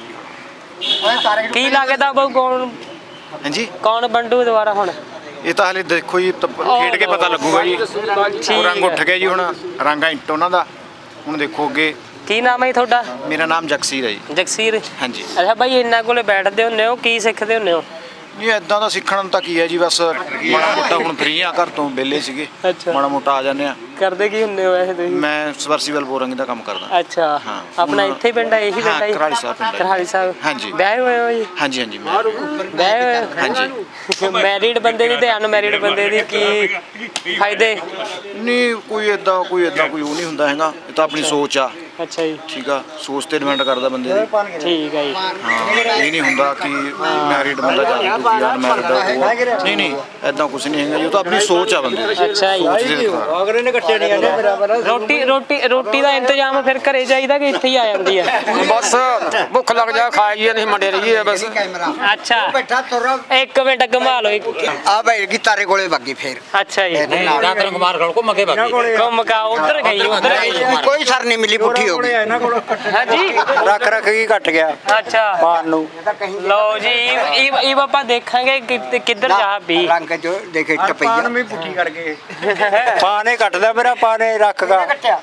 A: ਕੀ ਲੱਗਦਾ ਬਹੁ ਕੌਣ
D: ਹਾਂਜੀ
A: ਕੌਣ ਬੰਡੂ ਦੁਬਾਰਾ ਹੁਣ
D: ਇਹ ਤਾਂ ਹਲੇ ਦੇਖੋ ਜੀ ਤ- ਖੇਡ ਕੇ ਪਤਾ ਲੱਗੂਗਾ ਜੀ ਉਹ ਰੰਗ ਉੱਠ ਗਿਆ ਜੀ ਹੁਣ ਰੰਗਾ ਇੰਟ ਉਹਨਾਂ ਦਾ ਹੁਣ ਦੇਖੋ ਅੱਗੇ
A: ਕੀ ਨਾਮ ਹੈ ਜੀ ਤੁਹਾਡਾ
D: ਮੇਰਾ ਨਾਮ ਜਗਸੀਰ ਹੈ ਜੀ
A: ਜਗਸੀਰ
D: ਹਾਂਜੀ
A: ਅੱਛਾ ਬਾਈ ਇਹਨਾਂ ਕੋਲੇ ਬੈਠਦੇ ਹੁੰਦੇ ਹੋ ਕੀ ਸਿੱਖਦੇ ਹੁੰਦੇ ਹੋ
D: ਨਹੀਂ ਇਦਾਂ ਦਾ ਸਿੱਖਣ ਨੂੰ ਤਾਂ ਕੀ ਹੈ ਜੀ ਬਸ ਮਾੜਾ ਮੋਟਾ ਹੁਣ ਫ੍ਰੀ ਆ ਘਰ ਤੋਂ ਵਿਹਲੇ ਸੀਗੇ
A: ਅੱਛਾ।
D: ਮਾੜਾ ਮੋਟਾ ਆ ਜਾਂਦੇ ਆ
A: ਕਰਦੇ ਕੀ ਹੁੰਦੇ ਹੋ ਵੈਸੇ ਤੁਸੀਂ
D: ਮੈਂ ਸਵਰਸੀਬਲ ਬੋਰਿੰਗ ਦਾ ਕੰਮ ਕਰਦਾ
A: ਅੱਛਾ
D: ਹਾਂ।
A: ਆਪਣਾ
D: ਹੁਣ-
A: ਇੱਥੇ ਹੀ ਪਿੰਡ ਹੈ ਇਹੀ ਪਿੰਡ
D: ਹਾਂ,
A: ਹੈ ਜੀ?
D: ਕਰਹਾਲੀ ਸਾਹਿਬ ਪਿੰਡ ਹੈ।
A: ਕਰਹਾਲੀ ਸਾਹਿਬ
D: ਹਾਂਜੀ।
A: ਵਿਆਹੇ ਹੋਏ ਹੋ ਜੀ
D: ਹਾਂਜੀ ਹਾਂਜੀ ਮੈਂ
A: ਵਿਆਹੇ ਹੋਏ
D: ਹਾਂਜੀ
A: ਮੈਰਿਡ ਬੰਦੇ ਦੀ ਤੇ ਅਨਮੈਰਿਡ ਬੰਦੇ ਦੀ ਕੀ ਫਾਇਦੇ
D: ਨਹੀਂ ਕੋਈ ਇਦਾਂ ਕੋਈ ਇਦਾਂ ਕੋਈ ਉਹ ਨਹੀਂ ਹੁੰਦਾ ਹੈਗਾ ਇਹ ਤਾਂ ਆਪਣੀ ਸੋਚ ਆ
A: ਅੱਛਾ ਜੀ
D: ਠੀਕ ਆ ਸੋਚ ਤੇ ਡਿਪੈਂਡ ਕਰਦਾ ਬੰਦੇ ਦੀ
A: ਠੀਕ ਹੈ ਜੀ
D: ਹਾਂ ਇਹ ਨਹੀਂ ਹੁੰਦਾ ਕਿ ਮੈਰਿਡ ਬੰਦਾ ਜਾਂ ਕੋਈ ਅਨਮੈਰਿਡ ਨਹੀਂ ਨਹੀਂ ਐਦਾਂ ਕੁਝ ਨਹੀਂ ਹੈਗਾ ਜੀ, ਉਹ ਤਾਂ ਆਪਣੀ ਸੋਚ ਆ ਬੰਦੇ ਦੀ
A: ਅੱਛਾ ਜੀ
D: ਸੋਚ ਦੇ ਅਨੁਸਾਰ।
A: ਰੋਟੀ ਰੋਟੀ ਰੋਟੀ ਦਾ ਇੰਤਜ਼ਾਮ ਫਿਰ ਘਰੇ ਜਾਈਦਾ ਕਿ ਇੱਥੇ ਹੀ ਆ ਜਾਂਦੀ ਹੈ
C: ਬਸ ਭੁੱਖ ਲੱਗ ਜਾ ਖਾਈਏ ਨਹੀਂ ਮੰਡੇ ਰਹੀਏ ਬਸ
A: ਅੱਛਾ
B: ਬੈਠਾ ਤੁਰ
A: ਇੱਕ ਮਿੰਟ ਘੁਮਾ ਲਓ ਇੱਕ
B: ਆ ਬੈਠ ਗਈ ਤਾਰੇ ਕੋਲੇ ਵੱਗੀ ਫੇਰ
A: ਅੱਛਾ ਜੀ
F: ਰਾਤਨ ਕੁਮਾਰ ਕੋਲ ਘੁੰਮ ਕੇ ਬਾਕੀ
A: ਘੁੰਮ ਕਾ ਉਧਰ ਗਈ ਉਧਰ ਗਈ
B: ਕੋਈ ਸਰ ਨਹੀਂ ਮਿਲੀ ਪੁੱਠੀ ਹੋ ਗਈ
A: ਹਾਂਜੀ
E: ਰੱਖ ਰੱਖ ਕੀ ਘਟ ਗਿਆ
A: ਅੱਛਾ
E: ਪਾਣ ਨੂੰ
A: ਲਓ ਜੀ ਇਹ ਇਹ ਆਪਾਂ ਦੇਖਾਂਗੇ ਕਿ- ਕਿੱਧਰ ਜਾ ਵੀ
B: ਰੰਗ ਜੋ ਦੇਖੇ ਟਪਈਆ
E: ਪੁੱਠੀ ਕਰ ਗਏ ਪਾਣੇ ਘਟਦਾ ਮੇਰਾ ਪਾਣੇ ਰੱਖਗਾ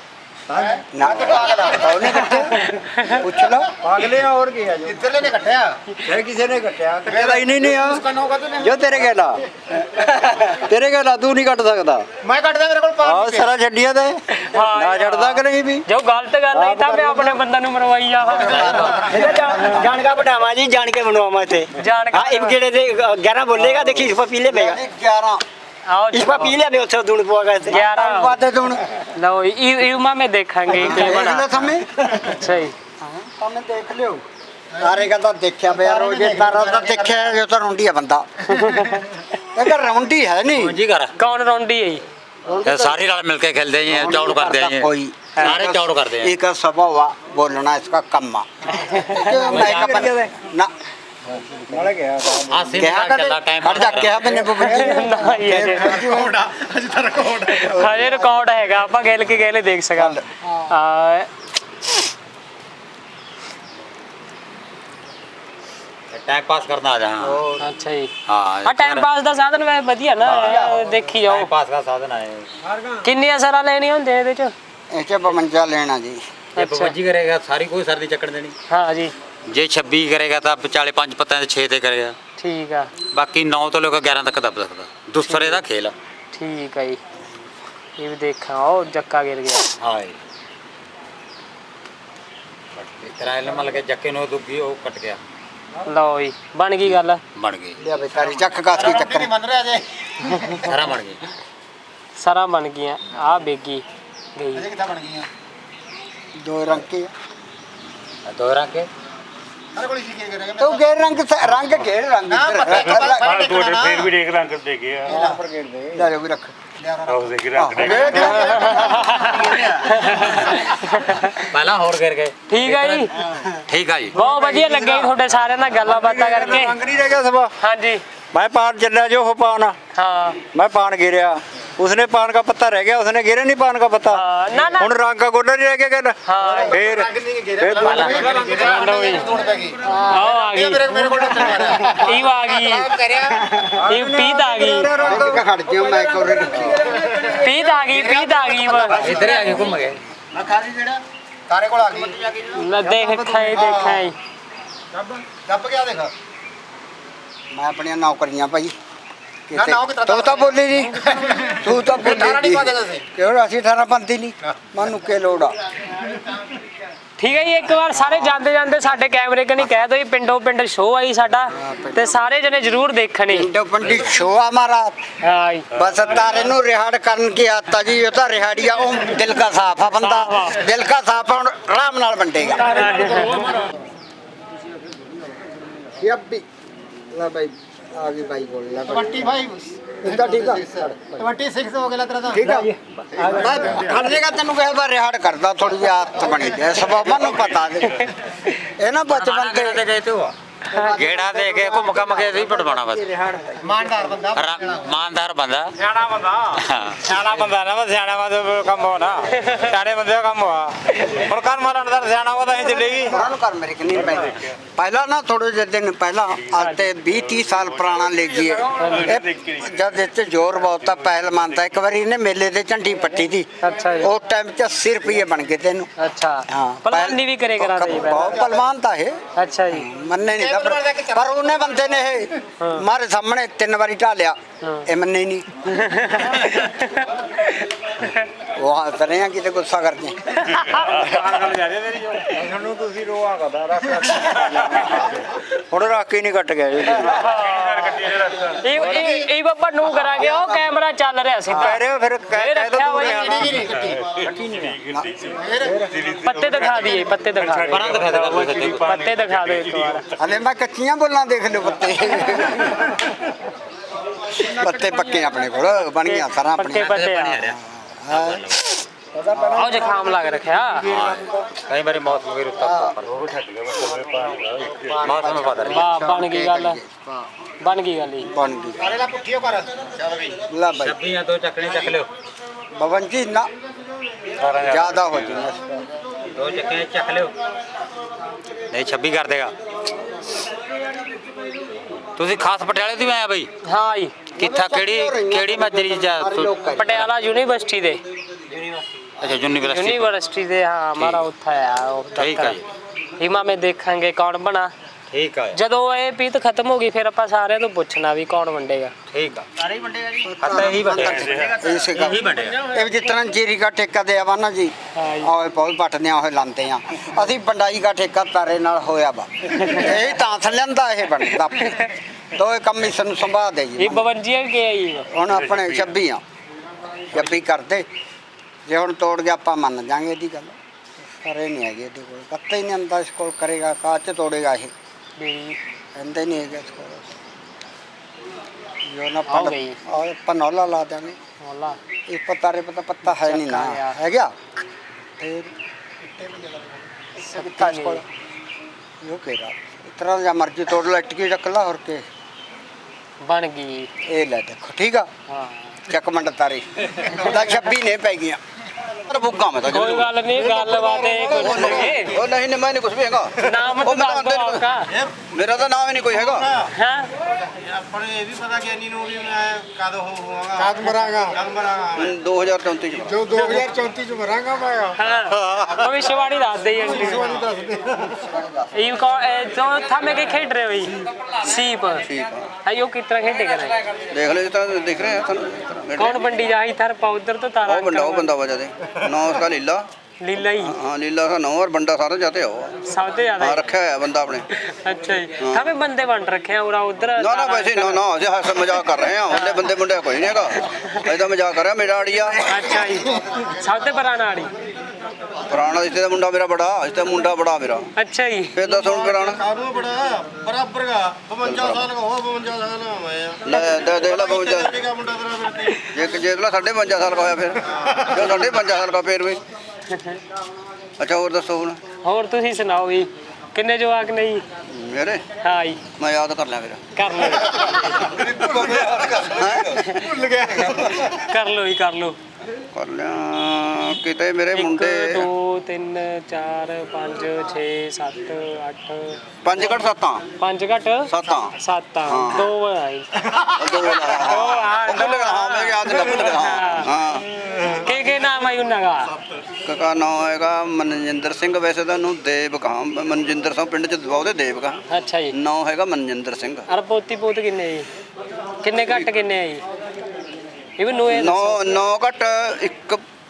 B: ਨਾ ਉਹਨੇ ਕੱਟਿਆ ਪੁੱਛ ਲਓ
E: ਪਾਗਲੇ ਹੋਰ ਕੀ ਆ ਜੋ ਇੱਧਰਲੇ ਨੇ ਕੱਟਿਆ ਫਿਰ ਕਿਸੇ ਨੇ ਕੱਟਿਆ ਕੱਟਿਆ ਹੀ ਨਹੀਂ ਨਹੀਂ ਆ ਜੋ ਤੇਰੇ ਗੇਲਾ ਤੇਰੇ ਗੇਲਾ ਤੂੰ ਨਹੀਂ ਕੱਟ ਸਕਦਾ
D: ਮੈਂ ਕੱਟਦਾ ਮੇਰੇ ਕੋਲ
E: ਆਹ ਸਾਰਾ ਛੱਡੀਆਂ ਤੇ ਨਾ ਛੱਡਦਾ ਕਿ ਨਹੀਂ ਵੀ
A: ਜੋ ਗਲਤ ਗੱਲ ਹੈ ਤਾਂ ਮੈਂ ਆਪਣੇ ਬੰਦਾ ਨੂੰ ਮਰਵਾਈ ਆ
I: ਜਾਣ का बढ़ावा जी जान के बनवावा थे
A: ਜਾਣ
I: हाँ इब गेड़े थे ग्यारह बोलेगा देखिए इस पर पी ले बेगा
B: ਗਿਆਰਾਂ
A: ਆਓ
I: इस पर पी ले बे उसे दून पुआ गए थे
A: ਗਿਆਰਾਂ
B: ਵਾਦੇ ਤੋਂ
A: ਲਓ ਇਹ ਇਹ ਮਾ ਮੈਂ ਦੇਖਾਂਗੇ ਕੀ
B: ਦੇਖ
A: ਬਣਾ
B: ਲੈ ਸਮੇਂ
A: ਅੱਛਾ ਜੀ
B: ਸਾਹਮਣੇ ਦੇਖ ਲਿਓ ਤਾਰੇ ਦਾ ਤਾਂ ਦੇਖਿਆ ਪਿਆ ਰੋਜੇ ਤਾਰਾ ਤਾਂ ਦੇਖਿਆ ਜੋ ਤਾਂ ਰੌਂਡੀ ਆ ਬੰਦਾ ਇਹ ਤਾਂ ਰੌਂਡੀ ਹੈ ਨਹੀਂ
F: ਜੀ ਕਰ
A: ਕੌਣ ਰੌਂਡੀ ਹੈ ਜੀ
F: सारे रल मिलके खेलते हैं चौड़ करते हैं
B: कोई
F: सारे चौड़ करते हैं
B: एक स्वभाव हुआ बोलना इसका कम ना ਕਿਹਾ ਕਦੇ ਹਟ ਜਾ ਕਿਹਾ ਮੈਨੇ ਬੱਬੀ
A: ਹਜੇ ਰਿਕਾਰਡ ਹੈਗਾ ਆਪਾਂ ਗਿਲ ਕੇ ਗੇਲੇ ਦੇਖ ਸਕਾਂਗੇ ਆ
F: टाइम पास करना आ जाए
A: ਅੱਛਾ ਜੀ
F: हाँ
A: ਆ ਟਾਈਮ ਪਾਸ ਦਾ ਸਾਧਨ ਵੈ ਵਧੀਆ ਨਾ ਦੇਖੀ ਜਾਓ
F: टाइम पास का साधन है
A: ਕਿੰਨੀਆਂ ਸਰਾਂ ਲੈਣੀਆਂ ਹੁੰਦੀਆਂ ਇਹਦੇ ਚ
B: ਇਹ ਚ ਬਵੰਜਾ ਲੈਣਾ ਜੀ
F: ये पबजी करेगा सारी कोई सर्दी चक्कर देनी
A: ਹਾਂ ਜੀ
F: जे छब्बी करेगा तो चाले पांच पत्ता छे ते करेगा
A: ਠੀਕ ਆ
F: बाकी नौ तो लेकर ग्यारह तक दब सकता दूसरे का खेल
A: ਠੀਕ ਆ ਜੀ ਇਹ ਵੀ ਦੇਖਾਂ ਉਹ ਜੱਕਾ ਗਿਰ ਗਿਆ
F: हाँ किराए में लगे जक्के नो दुगी वो कट गया
A: ਲਓ ਜੀ ਬਣ ਗਈ ਗੱਲ
F: बन गई
B: ਲਿਆ ਬੇਕਾਰੀ ਚੱਕ ਕਾਸ ਕੀ ਚੱਕਰ
F: सारा बन गई
A: ਸਾਰਾ ਬਣ ਗਈਆਂ ਆ ਬੇਗੀ ਗਈ
B: ਦੋ ਰੰਗ ਕੇ
F: दो रंग के
B: ਤੂੰ ਗੇ ਰੰਗ ਸ- ਰੰਗ ਕੇ ਰੰਗ
D: ਫੇਰ ਵੀ ਦੇਖ ਰੰਗ ਦੇ ਗਏ ਆ
B: ਲੈ ਜੋ ਵੀ ਰੱਖ
D: ਉਹ ਦੇਖ ਰੰਗ ਦੇ
F: पहला और गिर गए
A: ਠੀਕ ਆ ਜੀ
F: ठीक है जी
A: ਬਹੁਤ ਵਧੀਆ ਲੱਗਿਆ ਜੀ ਤੁਹਾਡੇ ਸਾਰਿਆਂ ਨਾਲ ਗੱਲਾਂ ਬਾਤਾਂ ਕਰਕੇ
E: ਰੰਗ ਨਹੀਂ ਰਹਿ ਗਿਆ ਸਭਾ
A: ਹਾਂਜੀ
E: मैं पान चल जो हो पान
A: ਹਾਂ
E: मैं पान गिरया उसने पान का पत्ता रह गया उसने गिरे नहीं पान का पत्ता
A: ਹਾਂ, ਨਾ ਨਾ
E: ਹੁਣ ਰੰਗ का गोला नहीं रह गया गल
A: ਹਾਂ
E: फिर फिर
A: ਲਓ ਜੀ ਆਓ ਆ ਗਈ ਇਹ ਆ ਗਈ ਇਹ ਪੀਤ ਆ ਗਈ
B: ਰੰਗ ਖੜ ਜਿਓ ਮੈਂ ਕੋਰੇ ਰੱਖੀ
A: ਪੀਤ ਆ ਗਈ ਪੀਤ ਆ ਗਈ
F: इधर आगे घूम गए
B: ਮੈਂ ਖਾਲੀ ਜਿਹੜਾ ਤਾਰੇ ਕੋਲ ਆ ਗਈ
A: ਲੈ ਦੇਖ ਖਾਈ ਦੇਖਾਂ ਜੀ
B: ਦੱਬ ਗਿਆ ਦੇਖ ਮੈਂ ਆਪਣੀਆਂ ਨੌਕਰੀਆਂ ਭਾਈ ਤੂੰ ਤਾਂ ਬੋਲੀ ਨਹੀਂ ਤੂੰ ਤਾਂ ਬੋਲੀ ਨਹੀਂ ਕਿਉਂ ਅਸੀਂ ਅਠਾਰਾਂ ਪੰਤੀ ਨਹੀਂ ਮੈਨੂੰ ਕੀ ਲੋੜ ਆ
A: ਠੀਕ ਹੈ ਜੀ। ਇੱਕ ਵਾਰ ਸਾਰੇ ਜਾਂਦੇ ਜਾਂਦੇ ਸਾਡੇ ਕੈਮਰੇ ਕਨੀ ਕਹਿ ਦੋ ਜੀ ਪਿੰਡੋਂ ਪਿੰਡ ਸ਼ੋਅ ਆਈ ਸਾਡਾ ਤੇ ਸਾਰੇ ਜਣੇ ਜ਼ਰੂਰ ਦੇਖਣੇ।
B: ਪਿੰਡੋ ਪਿੰਡੀ ਸ਼ੋਆ ਮਾਰਾ
A: ਹਾਂ ਜੀ
B: बस तारे नु रिहाड़ करन की आता जी ये तो रिहाड़िया ओ दिल का साफ है बंदा दिल का साफ है आराम नाल बंटेगा ये अब भी ला भाई आगे भाई बोल ला पच्चीस इसका ठीक है छब्बीस हो गया तेरा ठीक है मैं हर जगह तेनु कह बार रिहाड़ करदा थोड़ी जी आदत बनी है सब मनु पता दे ए ना बचपन ते
C: ਗਏ ਤੇ ਉਹ ਗੇੜਾ ਦੇ ਕੇ ਘੁੰਮ ਘੰਮ ਕੇ ਅਸੀਂ ਪਟਵਾਣਾ ਬਸ
B: ईमानदार बंदा
C: ਇਮਾਨਦਾਰ ਬੰਦਾ
F: ਸਿਆਣਾ ਬੰਦਾ ਸਿਆਣਾ ਬੰਦਾ ਨਾ ਬਸ ਸਿਆਣਾ ਬੰਦੇ ਕੰਮ ਹੋਣਾ ਸਿਆਣੇ ਬੰਦੇ ਦਾ ਕੰਮ ਹੋਆ ਹੁਣ ਕੰਨ ਮਾਰਨ ਦਾ ਸਿਆਣਾ ਉਹ ਤਾਂ ਚੱਲੇਗੀ
B: ਉਹਨਾਂ ਨੂੰ ਕਰ ਮੇਰੇ ਕਿ ਨਹੀਂ ਪੈ ਪਹਿਲਾਂ ਨਾ ਥੋੜੇ ਜਿਹੇ ਦਿਨ ਪਹਿਲਾਂ ਅੱਜ ਤੇ ਵੀਹ ਤੀਹ ਸਾਲ ਪੁਰਾਣਾ ਲੈ ਗਈ ਜਦ ਇੱਥੇ ਜ਼ੋਰ ਬਹੁਤ ਆ ਪਹਿਲ ਮੰਨਦਾ ਇੱਕ ਵਾਰੀ ਇਹਨੇ ਮੇਲੇ ਤੇ ਝੰਡੀ ਪੱਟੀ ਦੀ
A: ਅੱਛਾ ਜੀ।
B: ਉਹ ਟਾਈਮ ਚ ਅੱਸੀ ਰੁਪਏ ਬਣ ਗਏ ਤੈਨੂੰ
A: ਅੱਛਾ
B: ਹਾਂ
A: ਪਲਵਾਨੀ ਵੀ ਕਰੇ ਕਰਾ ਦੇ
B: ਬਹੁਤ ਪਹਿਲਵਾਨ ਤਾਂ ਇਹ
A: ਅੱਛਾ ਜੀ
B: ਮੰਨੇ ਨਹੀਂ ਤਾਂ ਪਰ ਉਹਨੇ ਬੰਦੇ ਨੇ ਇਹ ਮਾਰੇ ਸਾਹਮਣੇ ਤਿੰਨ ਵਾਰੀ ਢਾਲਿਆ ਇਹ ਮੰਨੇ ਹੀ ਨਹੀਂ ਉਹ ਹੱਸ ਰਹੇ ਆ ਕਿਤੇ ਗੁੱਸਾ ਕਰਦੇ
D: ਤੁਹਾਨੂੰ ਤੁਸੀਂ ਰੋਆ ਕਰਦਾ ਰੱਖ ਹੁਣ ਰੱਖ ਹੀ ਨਹੀਂ ਕੱਟ ਗਿਆ ਜੀ
A: ਇਹ ਇਹ ਇਹ ਬਾਬਾ ਨੂੰ ਕਰਾਂਗੇ ਉਹ ਕੈਮਰਾ ਚੱਲ ਰਿਹਾ ਸੀ
D: ਕਹਿ ਰਹੇ ਹੋ ਫਿਰ ਕਹਿ
A: ਇਹ
D: ਕਹਿ ਦੋ
A: ਰੱਖਿਆ
D: ਪੂਰੇ
A: ਹੋਇਆ ਪੱਤੇ ਦਿਖਾ ਦਈਏ ਪੱਤੇ ਦਿਖਾ ਦੇ ਪੱਤੇ ਦਿਖਾ ਦੇ ਇੱਕ ਵਾਰ
B: ਹਲੇ ਮੈਂ ਕੱਚੀਆਂ ਬੋਲਾਂ ਦੇਖ ਲਿਓ ਪੱਤੇ ਪੱਤੇ ਪੱਕੇ ਆਪਣੇ ਕੋਲ ਬਣ ਗਿਆ ਸਾਰਾ
A: ਪੱਕੇ
B: ਆਪਣੇ
A: ਪੱਤੇ ਆ ਆਹ ਜ਼ੁਕਾਮ ਲੱਗ ਰੱਖਿਆ
C: ਕਈ ਵਾਰੀ ਮੌਸਮ ਵੀ ਰੁੱਤਾ ਮੌਸਮ ਪਤਾ ਨਹੀਂ
A: ਵਾਹ ਬਣ ਗਈ ਗੱਲ ਬਣ ਗਈ ਗੱਲ ਜੀ
B: ਬਣ ਗਈ
H: ਕਰੇਲਾ ਪੁੱਠੀਓ ਕਰ
B: ਲਾ ਬਾਈ
C: ਛੱਬੀਆਂ ਤੋਂ ਚੱਕਣੇ ਚੱਕ ਲਿਓ
B: ਬਵਨ ਜੀ ਨਾ ਜ਼ਿਆਦਾ ਹੋ ਜੂਗਾ
C: ਦੋ ਚੱਕੇ ਚੱਕ ਲਿਓ ਨਹੀਂ ਛੱਬੀ ਕਰ ਦੇਗਾ ਤੁਸੀਂ ਖਾਸ ਪਟਿਆਲੇ ਤੋਂ ਆਇਆ ਬਈ
A: ਹਾਂ ਜੀ
C: ਕਿੱਥਾ ਕਿਹੜੀ ਕਿਹੜੀ ਮਜਰੀ ਜਾ
A: ਪਟਿਆਲਾ ਯੂਨੀਵਰਸਿਟੀ ਦੇ
C: ਅੱਛਾ ਯੂਨੀਵਰਸਿਟੀ
A: ਯੂਨੀਵਰਸਿਟੀ ਦੇ ਹਾਂ ਹਮਾਰਾ ਉੱਥਾ ਆ ਉਹ
C: ਠੀਕ ਹੈ
A: ਹਿਮਾ ਮੈਂ ਦੇਖਾਂਗੇ ਕੌਣ ਬਣਾ
C: ਠੀਕ ਹੈ
A: ਜਦੋਂ ਇਹ ਪੀਤ ਖਤਮ ਹੋ ਗਈ ਫਿਰ ਆਪਾਂ ਸਾਰਿਆਂ ਤੋਂ ਪੁੱਛਣਾ ਵੀ ਕੌਣ ਵੰਡੇਗਾ
C: ਠੀਕ ਆ ਸਾਰੇ ਵੰਡੇਗਾ ਜੀ ਖਾਤਾ ਇਹੀ ਵੰਡੇਗਾ
B: ਇਸੇ का
C: ਇਹੀ ਵੰਡੇਗਾ
B: ਇਹ ਜਿਸ ਤਰ੍ਹਾਂ ਜੀਰੀ ਦਾ ਠੇਕਾ ਦੇ ਆਵਾ ਨਾ ਜੀ ਆਏ ਬਹੁਤ ਪੱਟਦੇ ਆ ਉਹ ਲਾਂਦੇ ਆ ਅਸੀਂ ਬੰਡਾਈ ਦਾ ਠੇਕਾ ਤਾਰੇ ਨਾਲ ਹੋਇਆ ਵਾ ਇਹ ਤਾਂ ਥੱਲੰਦਾ ਇਹ ਬਣਦਾ ਦੋਏ ਕੰਮ ਇਸ ਨੂੰ ਸੰਭਾਲ ਦੇ ਜੀ
A: ਇਹ ਬਵੰਜੀਆਂ ਕੇ ਆਈ
B: ਹੁਣ ਆਪਣੇ ਛੱਬੀ ਆ ਛੱਬੀ ਕਰਦੇ ਜੇ ਹੁਣ ਤੋੜ ਗਿਆ ਆਪਾਂ ਮੰਨ ਜਾਾਂਗੇ ਇਹਦੀ ਗੱਲ ਕਰੇ ਨਹੀਂ ਹੈਗੇ ਇਹਦੇ ਕੋਲ ਪੱਤਾ ਹੀ ਨਹੀਂ ਆਂਦਾ ਇਸ ਕੋਲ ਕਰੇਗਾ ਕਾਚ ਤੋੜੇਗਾ ਇਹ
A: ਵੀ
B: ਕਹਿੰਦੇ ਨਹੀਂ ਹੈਗਾ ਇਸ ਕੋਲ ਜੋ ਨਾ
A: ਹੋ ਗਈ।
B: और पनौला ला देंगे
A: ਮੌਲਾ
B: इस पत्ता रे पता पत्ता है नहीं ना है क्या फिर सबका इसको यो कह रहा इतना जा मर्जी तोड़ लो अटकी रख ला और के
A: ਬਣ ਗਈ
B: ये ले देखो ठीक है
A: ਹਾਂ
B: चक मंड तारी दा छब्बी ने पै गया पर भुग्गा में तो
A: ਕੋਈ ਗੱਲ ਨਹੀਂ ਗੱਲਬਾਤ ਇਹ ਕੁਝ ਨਹੀਂ
B: ओ नहीं नहीं मैंने कुछ भी हैगा
A: ਨਾਮ
B: ओ
A: ਤਾਂ
B: मैं
A: ਦੱਸ ਦਿਓ
B: तो
A: ਆਪਕਾ
B: मेरा तो नाम ही नहीं कोई हैगा
A: ਹਾਂ
F: ਆਪਣੇ ਇਹ ਵੀ ਪਤਾ ਕਿ ਇੰਨੀ ਨੂੰ ਵੀ ਮੈਂ ਕਦ ਹੋ ਹੋਵਾਂਗਾ
H: ਕਾਦ ਮਰਾਂਗਾ
F: ਕਦ ਮਰਾਂਗਾ
B: दो हजार चौंतीस में
H: ਜੋ ਦੋ ਹਜ਼ਾਰ ਚੌਂਤੀ ਚ ਮਰਾਂਗਾ ਮੈਂ
A: ਹਾਂ ਭਵਿਸ਼ਵਾਣੀ ਦੱਸ ਦੇ ਆਂਟੀ ਇਹ ਕੋ ਜੋ ਥਾਮੇ ਕੇ ਖੇਡ ਰਹੇ ਹੋਈ ਸੀਪ ਆਇਓ ਕਿਤਨਾ ਖੇਡੇ ਕਰ
B: देख ले जितना देख रहे हैं
A: कौन बंडी जाही थर पा उधर तो तारा
B: वो बंदा वो बंदा वजह दे नौ उसका लीला
A: लीला ही
B: हाँ लीला का नौ और बंदा सारे जाते हो
A: सबसे ज्यादा
B: हाँ रखा है बंदा अपने
A: अच्छा जी थामे बंदे बन रखे हैं और उधर
B: ना ना वैसे ना ना ऐसे हंस मजाक कर रहे हैं हमने बंदे मुंडे कोई नहीं हैगा ऐसा मजाक कर रहा है मेरा आड़िया
A: अच्छा जी सबसे पुराना आड़ी
B: पुराना इससे मुंडा मेरा बड़ा इससे मुंडा बड़ा मेरा
A: अच्छा जी
B: फिर दस ਹੁਣ ਪੁਰਾਣਾ
F: ਕਾਨੂੰ ਬੜਾ ਬਰਾਬਰ ਦਾ ਬਵੰਜਾ ਸਾਲ ਦਾ ਹੋ ਬਵੰਜਾ ਸਾਲ ਦਾ ਮੈਂ
B: ਲੈ ਦੇ ਦੇਖ ਲੈ ਬਵੰਜਾ
F: ਠੀਕ ਆ ਮੁੰਡਾ ਤੇਰਾ ਫਿਰ ਤੇ
B: ਜੇ ਕਿ ਜੇ ਸਾਢੇ ਪੰਜਾ ਸਾਲ ਦਾ ਹੋਇਆ ਫਿਰ ਜੋ ਸਾਢੇ ਪੰਜਾ ਸਾਲ ਦਾ ਫਿਰ ਵੀ ਅੱਛਾ ਹੋਰ ਦੱਸੋ ਹੁਣ
A: ਹੋਰ ਤੁਸੀਂ ਸੁਣਾਓ ਵੀ ਕਿੰਨੇ ਜਵਾਕ ਨਹੀਂ
B: ਮੇਰੇ
A: ਹਾਂ ਜੀ
B: ਮੈਂ ਯਾਦ ਕਰ ਲਿਆ ਫਿਰ
A: ਕਰ ਲਓ
B: ਭੁੱਲ ਗਿਆ
A: ਕਰ ਲਓ ਹੀ ਕਰ ਲਓ
B: ਕਰ ਲਿਆ ਕਿਤੇ ਮੇਰੇ
A: ਇੱਕ
B: ਮੁੰਡੇ
A: ਦੋ ਤਿੰਨ ਚਾਰ ਪੰਜ ਛੇ ਸੱਤ ਅੱਠ
B: ਪੰਜ ਘੱਟ ਸੱਤਾਂ
A: ਪੰਜ ਘੱਟ
B: ਸੱਤਾਂ
A: ਸੱਤ ਆ
B: ਹਾਂ।
A: ਦੋ ਆਈ
B: ਦੋ
A: ਹਾਂ,
B: ਭੁੱਲ ਗਿਆ ਹਾਂ ਮੈਂ ਯਾਦ ਨਹੀਂ ਭੁੱਲ ਗਿਆ ਹਾਂ ਹਾਂ
A: ਕੇ ਕੇ ਨਾਮ ਆਈ ਉਹਨਾਂ ਦਾ
B: ਕਕਾ ਨਾਮ ਹੈਗਾ ਮਨਜਿੰਦਰ ਸਿੰਘ ਵੈਸੇ ਤਾਂ ਉਹਨੂੰ ਦੇਵ ਕਹਾਂ ਮਨਜਿੰਦਰ ਸਿੰਘ ਪਿੰਡ ਚ ਬਹੁਤੇ ਦੇਵ ਕਹਾਂ
A: ਅੱਛਾ ਜੀ
B: ਨਾਮ ਹੈਗਾ ਮਨਜਿੰਦਰ ਸਿੰਘ
A: ਅਰ ਪੋਤੀ ਪੋਤ ਕਿੰਨੇ ਜੀ ਕਿੰਨੇ ਘੱਟ ਕਿੰਨੇ ਆ ਜੀ ਇਹ ਵੀ ਨੋਏ
B: ਨੌ ਨੌ ਘੱਟ ਇੱਕ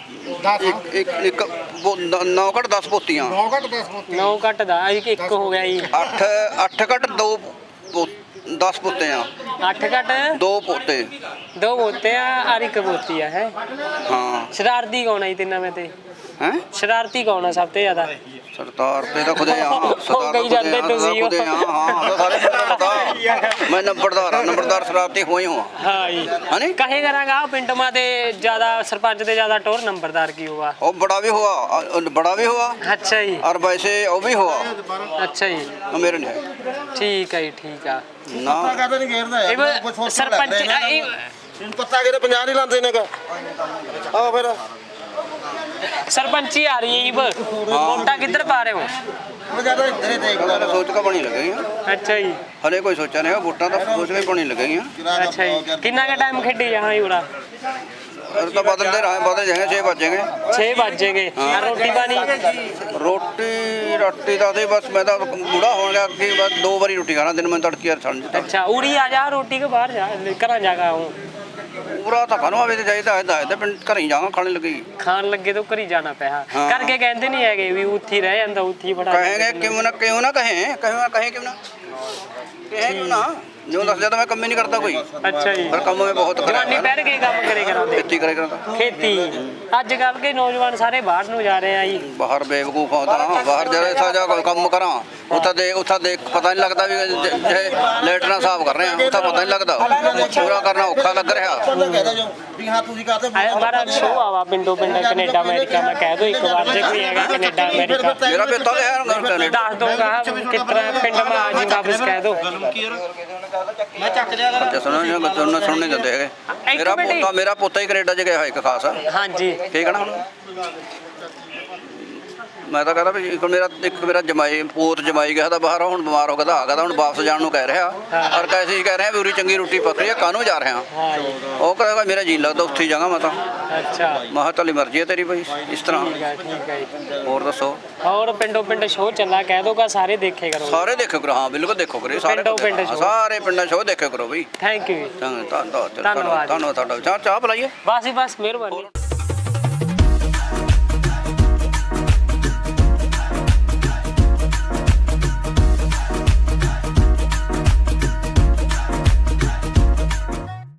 B: ਇੱਕ ਇੱਕ ਇੱਕ ਨੌ ਘੱਟ ਦਸ ਪੋਤੀਆਂ
A: ਨੌ ਘੱਟ ਦਾ ਇੱਕ ਇੱਕ ਹੋ ਗਿਆ ਜੀ।
B: ਅੱਠ ਅੱਠ ਘੱਟ ਦੋ ਦਸ ਪੋਤੇ ਆ
A: ਅੱਠ ਘੱਟ
B: ਦੋ ਪੋਤੇ
A: ਦੋ ਪੋਤੇ ਆ ਔਰ ਇੱਕ ਪੋਤੀ ਆ ਹੈ।
B: ਹਾਂ
A: ਸ਼ਰਾਰਤੀ ਕੌਣ ਆ ਜੀ ਤਿੰਨਾਂ ਵਿੱਚ ਤੇ?
B: ਹੈ
A: ਸ਼ਰਾਰਤੀ ਕੌਣ ਆ ਸਭ ਤੋਂ ਜ਼ਿਆਦਾ?
B: ਸਰਦਾਰ ਤੇ ਤਾਂ ਖੁਦੇ ਆ ਸਰਦਾਰ
A: ਕਹੀ ਜਾਂਦੇ ਤੁਸੀਂ ਉਹ।
B: ਖੁਦੇ ਆ ਹਾਂ ਸਾਰੇ ਪਿੰਡ ਦਾ ਮੈਂ ਨੰਬਰਦਾਰ ਆ ਨੰਬਰਦਾਰ ਸ਼ਰਾਰਤੀ ਹੋਈ ਹਾਂ
A: ਹਾਂ ਜੀ
B: ਹਨੀ
A: ਕਹੇ ਕਰਾਂਗਾ ਪਿੰਡ ਮਾ ਤੇ ਜ਼ਿਆਦਾ ਸਰਪੰਚ ਤੇ ਜ਼ਿਆਦਾ ਟੋਰ ਨੰਬਰਦਾਰ ਕੀ हुआ?
B: ਉਹ ਬੜਾ ਵੀ ਹੋਆ ਅ, ਬੜਾ ਵੀ ਹੋਆ
A: ਅੱਛਾ ਜੀ
B: ਔਰ ਵੈਸੇ ਉਹ ਵੀ ਹੋਆ
A: ਅੱਛਾ ਜੀ
B: ਮੇਰੇ ਨਹੀਂ ਹੈ
A: ਠੀਕ ਹੈ ਜੀ ਠੀਕ ਆ।
B: ਨਾ
A: ਇਹ ਬ- ਸਰਪੰਚ ਆ, ਇਹ
H: ਪੱਤਾ ਕਿਤੇ ਪੰਜਾਹ ਨਹੀਂ ਲਾਉਂਦੇ ਨੇ ਆ ਫਿਰ
A: ਸਰਪੰਚੀ ਆ ਰਹੀ ਹੈ ਜੀ ਬ- ਵੋਟਾਂ ਕਿੱਧਰ ਪਾ ਰਹੇ ਹੋ?
B: ਉਹਦਾ ਸੋਚ ਕੇ ਬਣੀ ਲੱਗੇਗੀ
A: ਅੱਛਾ ਜੀ
B: ਹਲੇ ਕੋਈ ਸੋਚਿਆ ਨਹੀਂ ਵੋਟਾਂ ਦਾ ਸੋਚ ਕੇ ਬਣੀ ਲੱਗੇਗੀ
A: ਅੱਛਾ ਜੀ ਕਿੰਨਾ ਕੁ ਟਾਈਮ ਖੇਡੀ ਜਹਾਂ ਜੀ ਉਰਾ?
B: ਅਰ ਤਾਂ ਬਦਲਦੇ ਰਹੇ ਬਦਲ ਜਾਏਗੇ ਛੇ ਵੱਜੇਗੇ
A: ਛੇ ਵੱਜੇਗੇ ਆ ਰੋਟੀ ਪਾਣੀ
B: ਰੋਟੀ ਰੋਟੀ ਦਾ ਤੇ ਬਸ ਮੈਂ ਤਾਂ ਬੁੜਾ ਹੋਣ ਗਿਆ ਕਿ ਬਸ ਦੋ ਵਾਰੀ ਰੋਟੀ ਖਾਣਾ ਦਿਨ ਮੈਂ ਤੜਕੀ ਯਾਰ ਛੱਡ ਦਿੱਤਾ
A: ਅੱਛਾ ਉਰੀ ਆ ਜਾ ਰੋਟੀ ਕੇ ਬਾਹਰ ਜਾ ਘਰਾਂ ਜਾ ਕੇ ਆਉਂ
B: ਪੂਰਾ ਤਾਂ ਖਾਣੋ ਆਵੇ ਤੇ ਚਾਹੀਦਾ ਹੈ ਤਾਂ ਪਿੰਡ ਘਰੇ ਜਾਵਾਂ ਖਾਣੇ ਲੱਗੇਗੀ
A: ਖਾਣ ਲੱਗੇ ਤਾਂ ਘਰੀ ਜਾਣਾ ਪਿਆ
B: ਹਾਂ।
A: ਕਰਕੇ ਕਹਿੰਦੇ ਨਹੀਂ ਹੈਗੇ ਵੀ ਉੱਥੇ ਹੀ ਰਹਿ ਜਾਂਦਾ ਉੱਥੇ ਹੀ ਬੜਾ
B: ਕहेंगे क्यों ना क्यों ना कहें कहें ना कहें क्यों ना कहें क्यों ना जो दस ज्यादा मैं कम ही नहीं करता कोई
A: ਅੱਛਾ ਜੀ
B: पर कम में बहुत
A: ਜਵਾਨੀ ਪਹਿਰ ਕੇ ਕੰਮ ਕਰੇ ਕਰਾਉਂਦੇ
B: खेती करे करता
A: ਖੇਤੀ ਅੱਜ ਕੱਲ ਕੇ ਨੌਜਵਾਨ ਸਾਰੇ ਬਾਹਰ ਨੂੰ ਜਾ ਰਹੇ ਆ ਜੀ
B: बाहर बेवकूफ होता बाहर जरा ऐसा जा कोई काम करा उठा देख उठा देख पता नहीं लगता भी जे लेटना साफ कर रहे हैं उठा पता नहीं लगता पूरा करना औखा लग रहा
A: ਆਏ ਬਾਰਾ ਸ਼ੋਅ ਆਵਾ ਪਿੰਡੋਂ ਪਿੰਡ ਕੈਨੇਡਾ ਅਮਰੀਕਾ ਮੈਂ ਕਹਿ ਦੋ ਇੱਕ ਵਾਰ ਜੇ ਕੋਈ ਹੈਗਾ ਕੈਨੇਡਾ ਅਮਰੀਕਾ
B: मेरा बेटा तो यार कनेडा
A: ਦੱਸ ਦੋਗਾ ਕਿਤਨਾ ਪਿੰਡ ਮਾ ਆ ਜੀ ਵਾਪਸ ਕਹਿ ਦੋ
B: अच्छा सुनो ये बच्चों ने सुनने देते हैं मेरा
A: मिनट ही।
B: पोता मेरा पोता ही कनेडा च गया है एक खास
A: ਹਾਂਜੀ
B: ठीक है ना ਮੈਂ ਤਾਂ ਕਹਿੰਦਾ ਵੀ ਇੱਕ ਮੇਰਾ ਇੱਕ ਮੇਰਾ ਜਮਾਈ ਪੋਤ ਜਮਾਈ ਗਿਆ ਤਾਂ ਬਾਹਰ ਹੁਣ ਬਿਮਾਰ ਹੋ ਗਿਆ ਤਾਂ ਆ ਗਿਆ ਤਾਂ ਹੁਣ ਵਾਪਸ ਜਾਣ ਨੂੰ ਕਹਿ ਰਿਹਾ ਔਰ ਕੈਸੇ ਹੀ ਕਹਿ ਰਿਹਾ ਵੀ ਉਰੀ ਚੰਗੀ ਰੋਟੀ ਪੱਕ ਰਹੀ ਹੈ ਕਾਹਨੂੰ ਜਾ ਰਿਹਾ
A: ਹਾਂ ਜੀ
B: ਉਹ ਕਹਿੰਦਾ ਮੇਰਾ ਜੀ ਲੱਗਦਾ ਉੱਥੇ ਹੀ ਜਾਵਾਂ ਮੈਂ ਤਾਂ
A: ਅੱਛਾ
B: ਮੈਂ ਕਿਹਾ ਤੁਹਾਡੀ ਮਰਜ਼ੀ ਹੈ ਤੇਰੀ ਬਈ ਇਸ ਤਰ੍ਹਾਂ
A: ਠੀਕ ਹੈ ਠੀਕ ਹੈ ਜੀ
B: ਹੋਰ ਦੱਸੋ
A: ਔਰ ਪਿੰਡੋਂ ਪਿੰਡ ਸ਼ੋਅ ਚੱਲਾ ਕਹਿ ਦੋਗਾ ਸਾਰੇ ਦੇਖੇ ਕਰੋ
B: ਸਾਰੇ ਦੇਖੋ ਕਰੋ ਹਾਂ ਬਿਲਕੁਲ ਦੇਖੋ ਕਰੋ ਸਾਰੇ
A: ਪਿੰਡੋਂ ਪਿੰਡ
B: ਹਾਂ,
A: show।
B: ਸਾਰੇ ਪਿੰਡਾਂ ਸ਼ੋਅ ਦੇਖੋ ਕਰੋ ਬਈ
A: ਥੈਂਕ ਯੂ
B: ਧੰਨਵਾਦ
A: ਧੰਨਵਾਦ।
B: ਧੰਨਵਾਦ ਤੁਹਾਡਾ ਚਾਹ ਚਾਹ ਪਿਲਾਈਏ
A: ਬਸ ਹੀ ਬਸ ਮਿਹਰਬਾਨੀ